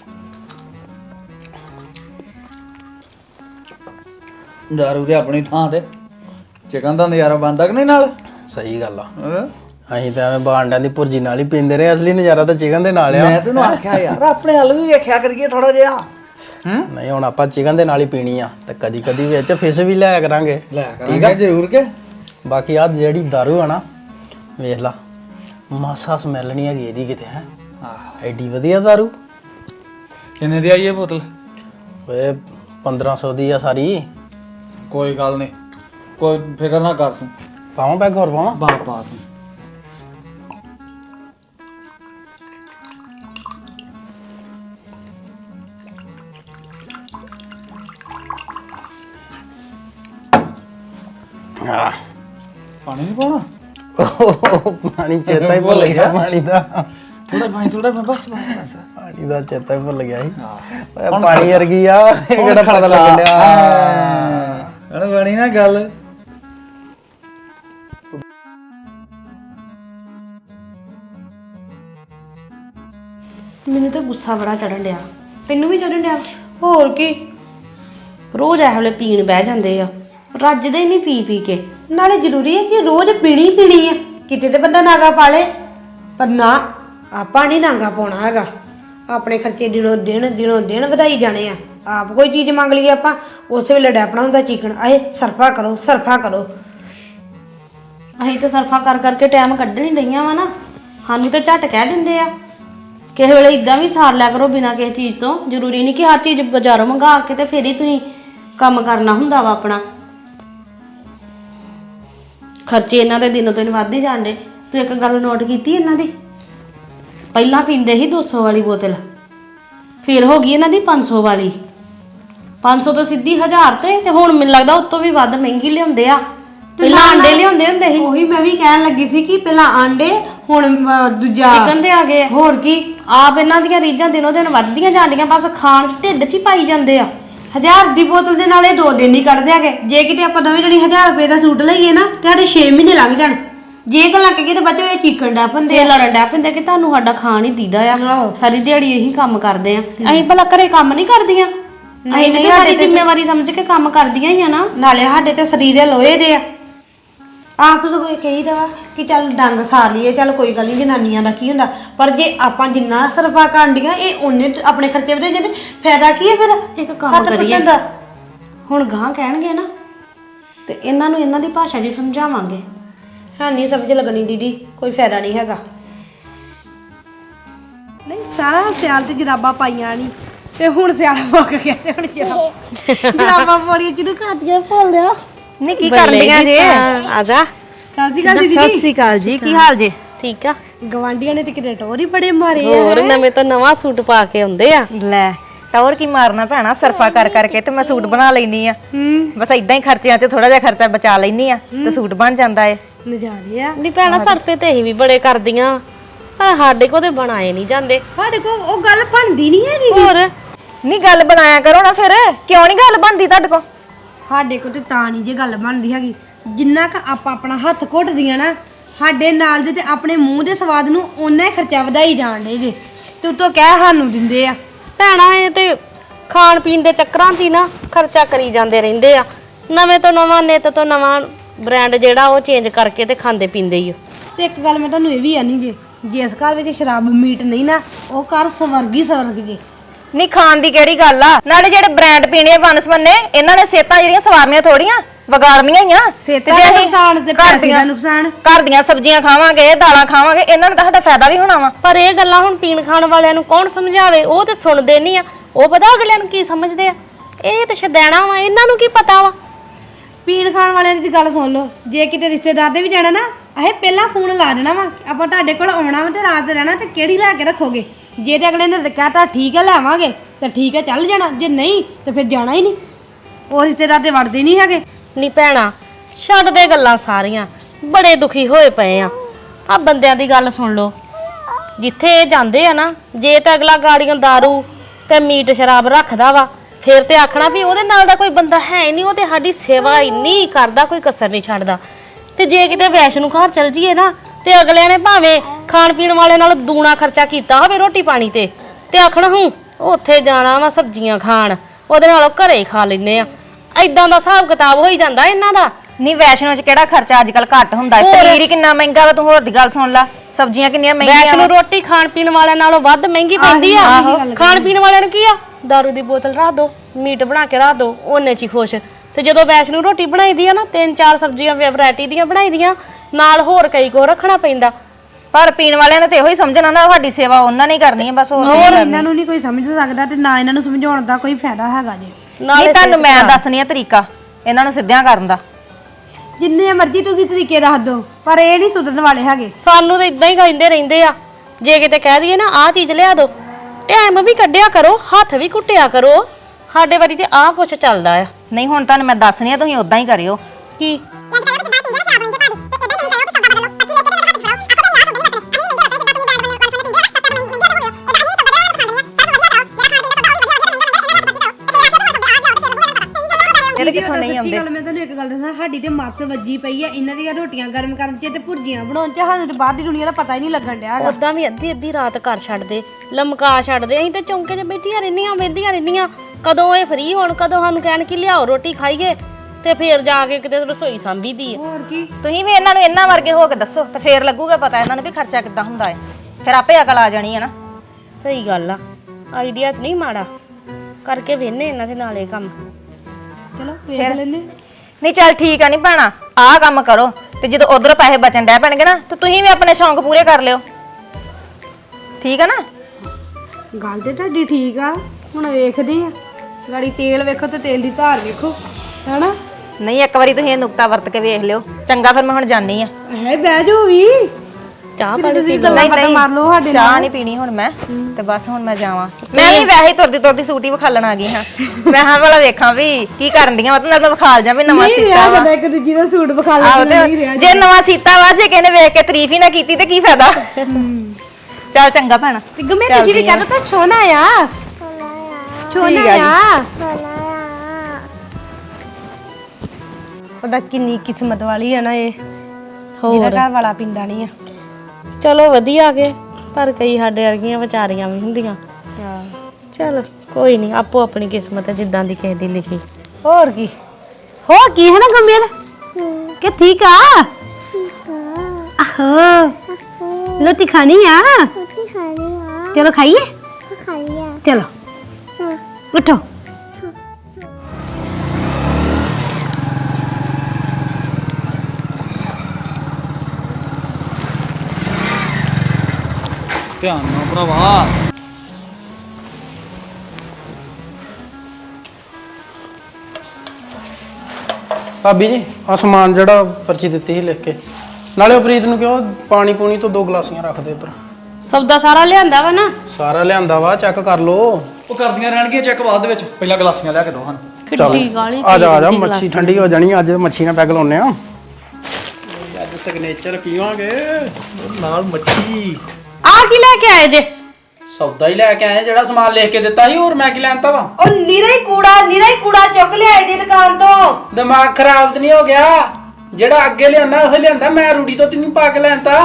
Speaker 3: ਦਾਰੂ ਤੇ ਆਪਣੀ ਥਾਂ ਤੇ, ਚਿਕਨ ਦਾ ਨਜ਼ਾਰਾ ਬਣਦਾ ਕਿ ਨਹੀਂ ਨਾਲ?
Speaker 4: ਸਹੀ ਗੱਲ ਆ। ਅਸੀਂ ਤਾਂ ਐਵੇਂ ਬਾਂਡਾਂ ਦੀ ਭੁਰਜੀ ਨਾਲ ਹੀ ਪੀਂਦੇ ਰਹੇ, ਅਸਲੀ ਨਜ਼ਾਰਾ ਤਾਂ ਚਿਕਨ ਦੇ ਨਾਲ ਆ।
Speaker 3: ਮੈਂ ਤੈਨੂੰ ਆਖਿਆ ਯਾਰ ਆਪਣੇ ਹੱਲ ਵੀ ਵੇਖਿਆ ਕਰੀਏ ਥੋੜਾ ਜਿਹਾ।
Speaker 4: ਨਹੀਂ ਹੁਣ ਆਪਾਂ ਚਿਕਨ ਦੇ ਨਾਲ ਹੀ ਪੀਣੀ ਆ, ਤੇ ਕਦੀ ਕਦੀ ਵਿੱਚ ਫਿਸ਼ ਵੀ ਲਿਆ ਕਰਾਂਗੇ।
Speaker 3: ਠੀਕ ਆ ਜ਼ਰੂਰ ਕੇ।
Speaker 4: ਬਾਕੀ ਆ ਜਿਹੜੀ ਦਾਰੂ ਆ ਨਾ, ਵੇਖ ਲਾ, ਮਾਸਾ ਸਮੈਲ ਨਹੀਂ ਹੈਗੀ ਇਹਦੀ ਕਿਤੇ। ਹੈ ਐਡੀ ਵਧੀਆ ਦਾਰੂ।
Speaker 3: ਕਿੰਨੇ ਦੀ ਆਈ ਇਹ ਬੋਤਲ?
Speaker 4: ਓਏ 1500 ਦੀ ਆ ਸਾਰੀ।
Speaker 3: ਕੋਈ ਗੱਲ ਨਹੀਂ, ਕੋਈ ਫਿਕਰ ਨਾ ਕਰ ਤੂੰ।
Speaker 4: ਪਾਵਾਂ ਪੈਗ ਹੋਰ ਪਾਵਾਂ?
Speaker 3: ਬਾਤ ਬਾਤ ਪਾਣੀ ਨਹੀਂ ਪਾਉਣਾ?
Speaker 4: ਪਾਣੀ ਚੇਤਾ ਹੀ ਭੁੱਲ ਗਿਆ ਪਾਣੀ ਦਾ।
Speaker 3: ਥੋੜਾ ਬਸ
Speaker 4: ਪਾਣੀ ਦਾ ਚੇਤਾ ਹੀ ਭੁੱਲ ਗਿਆ ਸੀ। ਓਏ ਪਾਣੀ ਵਰਗੀ ਆ, ਇਹ ਕਿਹੜਾ ਪਤਾ ਲੱਗ ਲਿਆ।
Speaker 3: ਹਣ ਬਣੀ ਨਾ ਗੱਲ।
Speaker 1: ਮੈਨੂੰ ਤਾਂ ਗੁੱਸਾ ਬੜਾ ਚੜਨ ਡਿਆ। ਤੈਨੂੰ ਵੀ ਚੜਨ ਡਿਆ?
Speaker 2: ਹੋਰ ਕੀ,
Speaker 1: ਰੋਜ਼ ਇਹ ਵੇਲੇ ਪੀਣ ਬਹਿ ਜਾਂਦੇ ਆ, ਰੱਜਦੇ ਹੀ ਨਹੀਂ ਪੀ ਕੇ।
Speaker 2: ਨਾਲੇ ਜ਼ਰੂਰੀ ਹੈ ਕਿ ਰੋਜ਼ ਪੀਣੀ ਆ। ਕਿਤੇ ਤੇ ਬੰਦਾ ਨਾਗਾ ਪਾ ਲੇ, ਪਰ ਨਾ, ਆਪਾਂ ਨਹੀਂ ਨਾਗਾ ਪਾਉਣਾ ਹੈਗਾ। ਆਪਣੇ ਖਰਚੇ ਦਿਨੋਂ ਦਿਨ ਵਧਾਈ ਜਾਣੇ ਆ। ਆਪ ਕੋਈ ਚੀਜ਼ ਮੰਗ ਲਈਏ ਆਪਾਂ, ਉਸ ਵੇਲੇ ਡੈਪਣਾ ਹੁੰਦਾ ਚੀਕਣ, ਆਏ ਸਰਫਾ ਕਰੋ।
Speaker 1: ਅਸੀਂ ਤਾਂ ਸਰਫਾ ਕਰ ਕਰਕੇ ਟਾਈਮ ਕੱਢਣ ਹੀ ਰਹੀਆਂ ਵਾ ਨਾ। ਸਾਨੂੰ ਤਾਂ ਝੱਟ ਕਹਿ ਦਿੰਦੇ ਆ, ਕਿਸੇ ਵੇਲੇ ਇਦਾਂ ਵੀ ਸਾਰ ਲਿਆ ਕਰੋ ਬਿਨਾਂ ਕਿਸੇ ਚੀਜ਼ ਤੋਂ। ਜ਼ਰੂਰੀ ਨਹੀਂ ਕਿ ਹਰ ਚੀਜ਼ ਬਾਜ਼ਾਰੋਂ ਮੰਗਾ ਕੇ ਤੇ ਫਿਰ ਹੀ ਤੁਸੀਂ ਕੰਮ ਕਰਨਾ ਹੁੰਦਾ ਵਾ ਆਪਣਾ। ਖਰਚੇ ਇਹਨਾਂ ਦੇ ਦਿਨੋਂ ਦਿਨ ਵੱਧ ਹੀ ਜਾਂਦੇ। ਤੂੰ ਇੱਕ ਗੱਲ ਨੋਟ ਕੀਤੀ ਇਹਨਾਂ ਦੀ? ਪਹਿਲਾਂ ਪੀਂਦੇ ਸੀ 200 ਵਾਲੀ ਬੋਤਲ, ਫਿਰ ਹੋ ਗਈ ਇਹਨਾਂ ਦੀ 500 ਵਾਲੀ। 500 ਤੋਂ ਸਿੱਧੀ 1000 ਤੇ ਹੁਣ ਮੈਨੂੰ ਲੱਗਦਾ ਉਸ ਤੋਂ ਵੀ ਵੱਧ ਮਹਿੰਗੀ ਲਿਆਉਂਦੇ ਆ। ਪਹਿਲਾਂ ਆਂਡੇ ਲਿਆਉਂਦੇ ਹੁੰਦੇ ਸੀ।
Speaker 2: ਉਹੀ ਮੈਂ ਵੀ ਕਹਿਣ ਲੱਗੀ ਸੀ ਕਿ ਪਹਿਲਾਂ ਆਂਡੇ, ਹੁਣ ਦੂਜਾ
Speaker 1: ਚਿਕਨ ਦੇ ਆ ਗਏ।
Speaker 2: ਹੋਰ ਕੀ,
Speaker 1: ਆਪ ਇਹਨਾਂ ਦੀਆਂ ਰੀਝਾਂ ਦਿਨੋਂ ਦਿਨ ਵੱਧਦੀਆਂ ਜਾਂਦੀਆਂ, ਬਸ ਖਾਣ 'ਚ ਢਿੱਡ 'ਚ ਹੀ ਪਾਈ ਜਾਂਦੇ ਆ।
Speaker 2: 1000 ਦੀ ਬੋਤਲ ਦੇ ਨਾਲ ਇਹ 2 ਦਿਨ ਹੀ ਕੱਢਦੇ ਹੈਗੇ। ਜੇ ਕਿਤੇ ਆਪਾਂ ਦੋਵੇਂ ਜਣੀ 1000 ਰੁਪਏ ਦਾ ਸੂਟ ਲਈਏ ਨਾ, ਤੇ ਸਾਡੇ 6 ਮਹੀਨੇ ਲੰਘ ਜਾਣ। ਜੇ ਕੋ ਲੱਗ ਗਏ ਤੇ ਬੱਚੋ ਇਹ ਚੀਕਣ ਡਾ ਪੰਦੇ
Speaker 1: ਤੇ ਲੜਨ ਡੈ ਪੈਂਦੇ ਕਿ ਤੁਹਾਨੂੰ ਸਾਡਾ ਖਾਣ ਹੀ ਦੀਦਾ ਆ, ਸਾਰੀ ਦਿਹਾੜੀ ਇਹੀ ਕੰਮ ਕਰਦੇ ਆ। ਅਸੀਂ ਭਲਾ ਘਰੇ ਕੰਮ ਨਹੀਂ ਕਰਦੀਆਂ? ਅਸੀਂ ਵੀ ਤਾਂ ਸਾਡੀ ਜ਼ਿੰਮੇਵਾਰੀ ਸਮਝ ਕੇ ਕੰਮ ਕਰਦੀਆਂ ਹੀ ਆ ਨਾ।
Speaker 2: ਨਾਲੇ ਸਾਡੇ ਤੇ ਸਰੀਰ ਲੋਹੇ ਦੇ ਆ। ਆਪ ਸਗੋਂ ਕਹੀਦਾ ਵਾ ਕਿ ਚੱਲ ਡੰਗ ਸਾਰ ਲਈਏ, ਚੱਲ ਕੋਈ ਗੱਲ ਨਹੀਂ, ਜਨਾਨੀਆਂ ਦਾ ਕੀ ਹੁੰਦਾ। ਪਰ ਜੇ ਆਪਾਂ ਜਿੰਨਾ ਸਰਫਾ ਕਾਂਡੀਆਂ, ਇਹ ਉਹਨੇ ਆਪਣੇ ਖਰਚੇ ਵਧੇ ਜਾਂਦੇ। ਫਾਇਦਾ ਕੀ ਹੈ ਫਿਰ?
Speaker 1: ਇੱਕ ਕੰਮ ਕਰੀਏ, ਹੁਣ ਗਾਂ ਕਹਿਣਗੇ ਨਾ ਤੇ ਇਹਨਾਂ ਨੂੰ ਇਹਨਾਂ ਦੀ ਭਾਸ਼ਾ ਜੀ ਸਮਝਾਵਾਂਗੇ।
Speaker 2: ਹਾਂ ਨਹੀਂ ਸਮਝ ਲੱਗਣੀ ਦੀਦੀ, ਕੋਈ ਫਾਇਦਾ ਨਹੀਂ ਹੈਗਾ। ਨਹੀਂ ਸਾਰਾ ਸਿਆਲ ਤੇ ਜਰਾਬਾਂ ਪਾਈਆਂ ਨਹੀਂ, ਤੇ ਹੁਣ ਸਿਆਲ ਮੁੱਕ ਗਿਆ ਤੇ ਹੁਣ ਜਰਾਬਾਂ ਪਾਉਣੀਆਂ ਜਿਹਨੂੰ ਘਾਟੀਆਂ ਭੁੱਲ ਲਿਆ।
Speaker 5: ਨਹੀਂ ਕੀ ਕਰ ਲਿਆ ਜੇ?
Speaker 1: ਆ ਜਾ।
Speaker 2: ਸਤਿ ਸ਼੍ਰੀ ਅਕਾਲ ਦੀਦੀ।
Speaker 5: ਸਤਿ ਸ਼੍ਰੀ ਅਕਾਲ ਜੀ, ਕੀ ਹਾਲ ਜੇ?
Speaker 1: ਠੀਕ ਆ।
Speaker 2: ਗਵਾਂਢੀਆਂ ਨੇ ਤੇ ਕਿਤੇ ਟੋਰ ਹੀ ਬੜੇ ਮਾਰੇ ਆ।
Speaker 1: ਹੋਰ ਨਵੇਂ ਤੋਂ ਨਵਾਂ ਸੂਟ ਪਾ ਕੇ ਆਉਂਦੇ ਆ।
Speaker 5: ਲੈ ਟੌਰ ਕੀ ਮਾਰਨਾ ਭੈਣਾ, ਸਰਫਾ ਕਰ ਕਰਕੇ ਤੇ ਮੈਂ ਸੂਟ ਬਣਾ ਲੈਣੀ ਆ। ਬਸ ਇਦਾਂ ਹੀ ਖਰਚਿਆਂ 'ਚ ਥੋੜਾ ਜਿਹਾ ਖਰਚਾ ਬਚਾ ਲੈਣੀ ਆ ਤੇ ਸੂਟ ਬਣ ਜਾਂਦਾ ਏ।
Speaker 2: ਨਜ਼ਾਰੇ ਆ।
Speaker 1: ਨਹੀਂ ਭੈਣਾ, ਸਰਫੇ ਤੇ ਅਸੀਂ ਵੀ ਬੜੇ ਕਰਦੀਆਂ, ਪਰ ਸਾਡੇ ਕੋਲ ਤੇ ਬਣਾਏ ਨਹੀਂ ਜਾਂਦੇ।
Speaker 2: ਸਾਡੇ ਕੋਲ ਉਹ ਗੱਲ ਬਣਦੀ ਨਹੀਂ ਹੈਗੀ।
Speaker 1: ਹੋਰ
Speaker 5: ਨਹੀਂ ਗੱਲ ਬਣਾਇਆ ਕਰੋ ਨਾ ਫਿਰ, ਕਿਉਂ ਨਹੀਂ ਗੱਲ ਬਣਦੀ ਤੁਹਾਡੇ ਕੋਲ?
Speaker 2: ਸਾਡੇ ਕੋਲ ਤੇ ਤਾਂ ਨਹੀਂ ਜੇ ਗੱਲ ਬਣਦੀ ਹੈਗੀ ਜਿੰਨਾ ਕ ਆਪਾਂ ਆਪਣਾ ਹੱਥ ਘੁੱਟਦੀਆਂ ਨਾ ਸਾਡੇ ਨਾਲ ਦੇ ਤੇ ਆਪਣੇ ਮੂੰਹ ਦੇ ਸਵਾਦ ਨੂੰ ਓਨਾ ਹੀ ਖਰਚਾ ਵਧਾਈ ਜਾਣ ਡੇ ਜੇ ਤੇ ਉਤੋਂ ਕਹਿ ਸਾਨੂੰ ਦਿੰਦੇ ਆ।
Speaker 1: ਭੈਣਾ ਇਹ ਤੇ ਖਾਣ ਪੀਣ ਦੇ ਚੱਕਰਾਂ 'ਚ ਹੀ ਨਾ ਖਰਚਾ ਕਰੀ ਜਾਂਦੇ ਰਹਿੰਦੇ ਆ। ਨਵੇਂ ਤੋਂ ਨਵਾਂ ਨਿੱਤ ਤੋਂ ਨਵਾਂ ਬ੍ਰਾਂਡ ਜਿਹੜਾ ਉਹ ਚੇਂਜ ਕਰਕੇ ਤੇ ਖਾਂਦੇ ਪੀਂਦੇ ਹੀ ਆ।
Speaker 2: ਤੇ ਇੱਕ ਗੱਲ ਮੈਂ ਤੁਹਾਨੂੰ ਇਹ ਵੀ ਆਨੀ ਜੇ ਜਿਸ ਘਰ ਵਿੱਚ ਸ਼ਰਾਬ ਮੀਟ ਨਹੀਂ ਨਾ ਉਹ ਘਰ ਸਵਰਗੀ ਸਵਰਗ ਜੇ।
Speaker 5: ਨਹੀਂ ਖਾਣ ਦੀ ਕਿਹੜੀ ਗੱਲ ਆ, ਨਾਲੇ ਜਿਹੜੇ ਬ੍ਰਾਂਡ ਪੀਣੇ ਆ ਬਨਸਬੰਨੇ ਇਹਨਾਂ ਨੇ ਸਿਹਤਾਂ ਜਿਹੜੀਆਂ ਸਵਾਰਨੀਆਂ ਥੋੜੀਆਂ ਵਿਗਾੜਨੀਆਂ ਹੀ ਆ।
Speaker 2: ਸਿਹਤਾਂ ਦਾ ਨੁਕਸਾਨ ਤੇ ਪੈਸੇ ਦਾ ਨੁਕਸਾਨ।
Speaker 5: ਘਰ ਦੀਆਂ ਸਬਜ਼ੀਆਂ ਖਾਵਾਂਗੇ, ਦਾਲਾਂ ਖਾਵਾਂਗੇ, ਇਹਨਾਂ ਨੂੰ ਤਾਂ ਸਾਡਾ ਫਾਇਦਾ ਵੀ ਹੋਣਾ ਵਾ।
Speaker 1: ਪਰ ਇਹ ਗੱਲਾਂ ਹੁਣ ਪੀਣ ਖਾਣ ਵਾਲਿਆਂ ਨੂੰ ਕੌਣ ਸਮਝਾਵੇ, ਉਹ ਤੇ ਸੁਣਦੇ ਨਹੀਂ ਆ। ਉਹ ਪਤਾ ਅਗਲਿਆਂ ਨੂੰ ਕੀ ਸਮਝਦੇ ਆ, ਇਹ ਤੇ ਛਦੈਣਾ ਵਾ, ਇਹਨਾਂ ਨੂੰ ਕੀ ਪਤਾ ਵਾ।
Speaker 2: ਪੀਣ ਖਾਣ ਵਾਲਿਆਂ ਦੀ ਗੱਲ ਸੁਣ ਲਓ, ਜੇ ਕਿਤੇ ਰਿਸ਼ਤੇਦਾਰ ਦੇ ਵੀ ਜਾਣਾ ਨਾ ਅਸੀਂ ਪਹਿਲਾਂ ਫੋਨ ਲਾ ਦੇਣਾ ਵਾ ਆਪਾਂ ਤੁਹਾਡੇ ਕੋਲ ਆਉਣਾ ਵਾ ਤੇ ਰਾਤ ਰਹਿਣਾ ਤੇ ਕਿਹੜੀ ਲੈ ਕੇ ਰੱਖੋਗੇ। ਜੇ ਤੇ ਅਗਲੇ ਨੇ ਕਹਤਾ ਠੀਕ ਹੈ ਲੈਵਾਂਗੇ ਤਾਂ ਠੀਕ ਹੈ ਚੱਲ ਜਾਣਾ, ਜੇ ਨਹੀਂ ਤੇ ਫਿਰ ਜਾਣਾ ਹੀ ਨਹੀਂ। ਉਹ ਰਿਸ਼ਤੇਦਾਰ ਤੇ ਵੜਦੇ ਨਹੀਂ ਹੈਗੇ।
Speaker 1: ਨਹੀਂ ਭੈਣਾ ਛੱਡ ਦੇ ਗੱਲਾਂ ਸਾਰੀਆਂ, ਬੜੇ ਦੁਖੀ ਹੋਏ ਪਏ ਆ। ਆ ਬੰਦਿਆਂ ਦੀ ਗੱਲ ਸੁਣ ਲਓ, ਜਿੱਥੇ ਇਹ ਜਾਂਦੇ ਆ ਨਾ ਜੇ ਤਾਂ ਅਗਲਾ ਗਾੜੀਆਂ ਦਾਰੂ ਤੇ ਮੀਟ ਸ਼ਰਾਬ ਰੱਖਦਾ ਵਾ ਫਿਰ ਤੇ ਆਖਣਾ ਵੀ ਉਹਦੇ ਨਾਲ ਦਾ ਕੋਈ ਬੰਦਾ ਹੈ ਹੀ ਨਹੀਂ, ਉਹ ਤੇ ਸਾਡੀ ਸੇਵਾ ਇੰਨੀ ਕਰਦਾ ਕੋਈ ਕਸਰ ਨਹੀਂ ਛੱਡਦਾ। ਤੇ ਜੇ ਕਿਤੇ ਵੈਸ਼ਨੂੰ ਘਰ ਚਲ ਜੀਏ ਨਾ ਤੇ ਅਗਲਿਆਂ ਨੇ ਭਾਵੇਂ ਖਾਣ ਪੀਣ ਵਾਲੇ ਨਾਲ ਦੂਣਾ ਖਰਚਾ ਕੀਤਾ ਹੋਵੇ ਰੋਟੀ ਪਾਣੀ ਤੇ ਆਖਣਾ ਉੱਥੇ ਜਾਣਾ ਵਾ ਸਬਜ਼ੀਆਂ ਖਾਣ, ਉਹਦੇ ਨਾਲ ਘਰੇ ਹੀ ਖਾ ਲੈਨੇ ਆ। ਐਦਾਂ ਦਾ ਹਿਸਾਬ ਕਿਤਾਬ ਹੋਈ ਜਾਂਦਾ ਇਹਨਾਂ ਦਾ।
Speaker 5: ਨਹੀਂ ਵੈਸ਼ਨੋ 'ਚ ਕਿਹੜਾ ਖਰਚਾ ਅੱਜ ਕੱਲ ਘੱਟ ਹੁੰਦਾ ਹੈ, ਪਨੀਰ ਹੀ ਕਿੰਨਾ ਮਹਿੰਗਾ ਵਾ। ਤੂੰ ਹੋਰ ਦੀ ਗੱਲ ਸੁਣ ਲੈ, ਸਬਜ਼ੀਆਂ ਕਿੰਨੀਆਂ ਮਹਿੰਗੀਆਂ।
Speaker 1: ਵੈਸ਼ਨੂੰ ਰੋਟੀ ਖਾਣ ਪੀਣ ਵਾਲਿਆਂ ਨਾਲੋਂ ਵੱਧ ਮਹਿੰਗੀ ਪੈਂਦੀ ਆ। ਖਾਣ ਪੀਣ ਵਾਲਿਆਂ ਨੂੰ ਕੀ ਆ, ਦਾਰੂ ਦੀ ਬੋਤਲ ਰੱਖ ਦੋ, ਮੀਟ ਬਣਾ ਕੇ ਰੱਖ ਦੋ, ਉਹਨੇ 'ਚ ਹੀ ਖੁਸ਼। ਤੇ ਜਦੋਂ ਵੈਸ਼ਨੂੰ ਰੋਟੀ ਬਣਾਈਦੀ ਆ ਨਾ 3-4 ਸਬਜ਼ੀਆਂ ਵੈਰਾਈਟੀ ਦੀਆਂ ਬਣਾਈਦੀਆਂ ਨਾਲ ਹੋਰ ਕਈ ਕੋ ਰੱਖਣਾ ਪੈਂਦਾ।
Speaker 5: ਪਰ ਪੀਣ ਵਾਲਿਆਂ ਨੇ ਤੇ ਇਹੋ ਹੀ ਸਮਝਣਾ ਨਾ ਸਾਡੀ ਸੇਵਾ ਉਹਨਾਂ ਨੇ ਕਰਨੀ ਹੈ ਬਸ, ਹੋਰ
Speaker 2: ਇਹਨਾਂ ਨੂੰ ਨਹੀਂ ਕੋਈ ਸਮਝ ਸਕਦਾ ਤੇ ਨਾ ਇਹਨਾਂ ਨੂੰ ਸਮਝਾਉਣ ਦਾ ਕੋਈ ਫਾਇਦਾ ਹੈਗਾ ਜੇ।
Speaker 5: ਨਹੀਂ ਤੁਹਾਨੂੰ ਮੈਂ ਦੱਸਣੀ ਆ ਤਰੀਕਾ ਇਹਨਾਂ ਨੂੰ ਸਿੱਧਿਆਂ ਕਰਨ ਦਾ।
Speaker 2: ਜਿੰਨੇ ਮਰਜ਼ੀ ਤੁਸੀਂ ਤਰੀਕੇ ਦੱਸ ਦਿਓ ਪਰ ਇਹ ਨਹੀਂ ਸੁਧਰਨ ਵਾਲੇ ਹੈਗੇ।
Speaker 1: ਸਾਨੂੰ ਤਾਂ ਇਦਾਂ ਹੀ ਕਹਿੰਦੇ ਰਹਿੰਦੇ ਆ। ਜੇ ਕਿਤੇ ਕਹਿ ਦਈਏ ਨਾ ਆਹ ਚੀਜ਼ ਲਿਆ ਦੋ, ਟਾਈਮ ਵੀ ਕੱਢਿਆ ਕਰੋ, ਹੱਥ ਵੀ ਕੁੱਟਿਆ ਕਰੋ। ਸਾਡੇ ਵਾਰੀ ਤੇ ਆਹ ਕੁਛ ਚੱਲਦਾ ਆ।
Speaker 5: ਨਹੀਂ ਹੁਣ ਤੁਹਾਨੂੰ ਮੈਂ ਦੱਸਣੀ ਆ, ਤੁਸੀਂ ਉਦਾਂ ਹੀ ਕਰਿਓ।
Speaker 1: ਕੀ
Speaker 5: ਇਹਦੇ ਕਿੱਥੋਂ ਨਹੀਂ ਆਉਂਦੇ।
Speaker 2: ਗੱਲ ਮੈਂ ਤੁਹਾਨੂੰ ਇੱਕ ਗੱਲ ਦੱਸਾਂ, ਸਾਡੀ ਤੇ ਮੱਤ ਵੱਜੀ ਪਈ ਆ ਇਹਨਾਂ ਦੀਆਂ ਰੋਟੀਆਂ ਗਰਮ ਕਰਨ ਚ ਤੇ ਭੁਰਜੀਆਂ ਬਣਾਉਣ ਚ। ਸਾਨੂੰ ਤੇ ਬਾਹਰ ਦੀ ਦੁਨੀਆ ਦਾ ਪਤਾ ਹੀ ਨਹੀਂ ਲੱਗਣ ਡਿਆ ਹੈਗਾ।
Speaker 1: ਉਦਾਂ ਵੀ ਅੱਧੀ ਰਾਤ ਘਰ ਛੱਡਦੇ, ਲਮਕਾ ਛੱਡਦੇ। ਅਸੀਂ ਤੇ ਚੌਂਕੇ 'ਚ ਬੈਠੀਆਂ ਰਹਿੰਦੀਆਂ ਕਦੋਂ ਇਹ ਫਰੀ ਹੋਣ, ਕਦੋਂ ਸਾਨੂੰ ਕਹਿਣ ਕਿ ਲਿਆਓ ਰੋਟੀ ਖਾਈਏ ਤੇ ਫੇਰ ਜਾ ਕੇ ਕਿਤੇ ਰਸੋਈ ਸਾਂਭੀ ਦੀ ਹੈ।
Speaker 2: ਹੋਰ ਕੀ,
Speaker 5: ਤੁਸੀਂ ਵੀ ਇਹਨਾਂ ਨੂੰ ਇਹਨਾਂ ਵਰਗੇ ਹੋ ਕੇ ਦੱਸੋ ਤੇ ਫੇਰ ਲੱਗੂਗਾ ਪਤਾ ਇਹਨਾਂ ਨੂੰ ਵੀ ਖਰਚਾ ਕਿੱਦਾਂ ਹੁੰਦਾ ਹੈ। ਫਿਰ ਆਪੇ ਅਕਲ ਆ ਜਾਣੀ ਹੈ ਨਾ।
Speaker 1: ਸਹੀ ਗੱਲ ਆ, ਆਈਡੀਆ ਨਹੀਂ ਮਾੜਾ, ਕਰਕੇ ਵੇਨੇ ਇਹਨਾਂ ਦੇ ਨਾਲ ਇਹ ਕੰਮ।
Speaker 2: ਚਲੋ ਵੇਖ ਲੈਨੇ।
Speaker 5: ਨਹੀਂ ਚੱਲ ਠੀਕ ਆ, ਨਹੀਂ ਭੈਣਾ ਆਹ ਕੰਮ ਕਰੋ ਤੇ ਜਦੋਂ ਉਧਰ ਪੈਸੇ ਬਚਣ ਡੈ ਪੈਣਗੇ ਨਾ ਤੇ ਤੁਸੀਂ ਵੀ ਆਪਣੇ ਸ਼ੌਂਕ ਪੂਰੇ ਕਰ ਲਿਓ, ਠੀਕ ਆ ਨਾ।
Speaker 2: ਗੱਲ ਤੇ ਤੁਹਾਡੀ ਠੀਕ ਆ, ਹੁਣ ਵੇਖਦੇ ਆ ਗਾੜੀ ਤੇਲ ਵੇਖੋ ਤੇ ਤੇਲ ਦੀ ਧਾਰ ਵੇਖੋ, ਹੈਨਾ।
Speaker 5: ਨਹੀਂ ਇੱਕ ਵਾਰੀ ਤੁਸੀਂ ਇਹ ਨੁਕਤਾ ਵਰਤ ਕੇ ਵੇਖ ਲਿਓ। ਚੰਗਾ ਫਿਰ ਮੈਂ ਹੁਣ ਜਾਣੀ ਆ।
Speaker 2: ਹੈ ਬਹਿ ਜਾਓ ਵੀ,
Speaker 1: ਚਾਹ ਪਾਣੀ
Speaker 2: ਤੁਸੀਂ ਗੱਲਾਂ ਬਾਤਾਂ ਮਾਰ ਲਓ ਸਾਡੇ ਨਾਲ।
Speaker 5: ਚਾਹ ਨਹੀਂ ਪੀਣੀ ਹੁਣ ਮੈਂ ਤੇ ਬਸ ਹੁਣ ਮੈਂ ਜਾਵਾਂ। ਮੈਂ ਵੀ ਵੈਸੇ ਹੀ ਤੁਰਦੀ ਸੂਟ ਹੀ ਵਿਖਾਲਣ ਆ ਗਈ ਹਾਂ। ਮੈਂ ਹਾਂ ਵਾਲਾ ਵੇਖਾਂ ਵੀ ਕੀ ਕਰਨ ਦੀਆਂ, ਮਤਲਬ ਮੈਂ ਵਿਖਾਲ ਜਾ ਵੀ ਨਵਾਂ ਸੀਤਾ ਵਾ।
Speaker 2: ਇੱਕ ਦੂਜੀ ਦਾ ਸੂਟ ਵਿਖਾ
Speaker 5: ਆਹੋ ਤੇ ਜੇ ਨਵਾਂ ਸੀਤਾ ਵਾ, ਜੇ ਕਿਸੇ ਨੇ ਵੇਖ ਕੇ ਤਾਰੀਫ ਹੀ ਨਾ ਕੀਤੀ ਤੇ ਕੀ ਫਾਇਦਾ। ਚੱਲ ਚੰਗਾ ਭੈਣਾ।
Speaker 2: ਤੇ ਗਮੇ ਤੇ ਜੀ ਵੀ ਕਹਿੰਦਾ ਤਾਂ ਸੋਨਾ ਆ, ਸੋਨਾ ਆ। ਉਹਦਾ ਕਿੰਨੀ ਕਿਸਮਤ ਵਾਲੀ ਆ ਨਾ ਇਹ, ਜਿਹਦਾ ਘਰ ਵਾਲਾ ਪਿੰਦਾ ਨਹੀਂ ਆ।
Speaker 1: ਚਲੋ ਵਧੀਆ ਗਏ, ਪਰ ਕਈ ਸਾਡੇ ਵਰਗੀਆਂ ਵਿਚਾਰੀਆਂ ਵੀ ਹੁੰਦੀਆਂ। ਚਲ ਕੋਈ ਨਹੀਂ, ਆਪੋ ਆਪਣੀ ਕਿਸਮਤ ਹੈ ਜਿੱਦਾਂ ਦੀ ਕਿਸੇ ਦੀ ਲਿਖੀ।
Speaker 2: ਹੋਰ ਕੀ ਹੈ ਨਾ ਗੰਮੇਲ ਕਿ ਠੀਕ ਆ। ਆਹੋ ਰੋਟੀ ਖਾਣੀ ਆ, ਚਲੋ ਖਾਈਏ। ਚਲੋ ਉਠੋ।
Speaker 3: ਧਿਆਨ ਨਾਲ ਭਰਾਵਾ।
Speaker 4: ਭਾਬੀ ਜੀ ਆਹ ਸਮਾਨ ਜਿਹੜਾ ਪਰਚੀ ਦਿੱਤੀ ਸੀ ਲਿਖ ਕੇ, ਨਾਲੇ ਉਹ ਪ੍ਰੀਤ ਨੂੰ ਕਿਹਾ ਪਾਣੀ ਪੂਣੀ ਤੋਂ 2 ਗਲਾਸੀਆਂ ਰੱਖ ਦੇ ਉੱਪਰ।
Speaker 1: ਸੌਦਾ ਸਾਰਾ ਲਿਆਂਦਾ ਵਾ ਨਾ,
Speaker 4: ਸਾਰਾ ਲਿਆਂਦਾ ਵਾ, ਚੈੱਕ ਕਰ ਲੋ।
Speaker 3: ਉਹ ਕਰਦੀਆਂ ਰਹਿਣਗੀਆਂ ਚੈੱਕ ਬਾਅਦ ਦੇ ਵਿੱਚ, ਪਹਿਲਾਂ ਗਲਾਸੀਆਂ ਲਿਆ ਕੇ ਦੋ ਹਨ।
Speaker 1: ਕਿੱਡੀ ਗਾਲੀ
Speaker 4: ਆ ਜਾ ਮੱਛੀ ਠੰਡੀ ਹੋ ਜਾਣੀ, ਅੱਜ ਮੱਛੀ ਨਾਲ ਪੈਗ ਲਾਉਨੇ ਆ।
Speaker 3: ਅੱਜ ਸਿਗਨੇਚਰ ਪੀਵਾਂਗੇ ਨਾਲ ਮੱਛੀ।
Speaker 1: ਆ ਕੀ ਲੈ ਕੇ ਆਏ ਜੇ?
Speaker 4: ਸੌਦਾ ਹੀ ਲੈ ਕੇ ਆਏ ਜਿਹੜਾ ਸਮਾਨ ਲਿਖ ਕੇ ਦਿੱਤਾ ਸੀ, ਹੋਰ ਮੈਂ ਕੀ ਲੈਣਤਾ ਵਾ?
Speaker 2: ਉਹ ਨੀਰਾ ਹੀ ਕੂੜਾ ਚੁੱਕ ਲਿਆਏ ਜੀ ਦੁਕਾਨ ਤੋਂ।
Speaker 4: ਦਿਮਾਗ ਖਰਾਬ ਤਾਂ ਨਹੀਂ ਹੋ ਗਿਆ? ਜਿਹੜਾ ਅੱਗੇ ਲਿਆਂਦਾ ਉਹ ਲਿਆਂਦਾ, ਮੈਂ ਰੂੜੀ ਤੋਂ ਤੈਨੂੰ ਪਾ ਕੇ ਲੈਣਤਾ।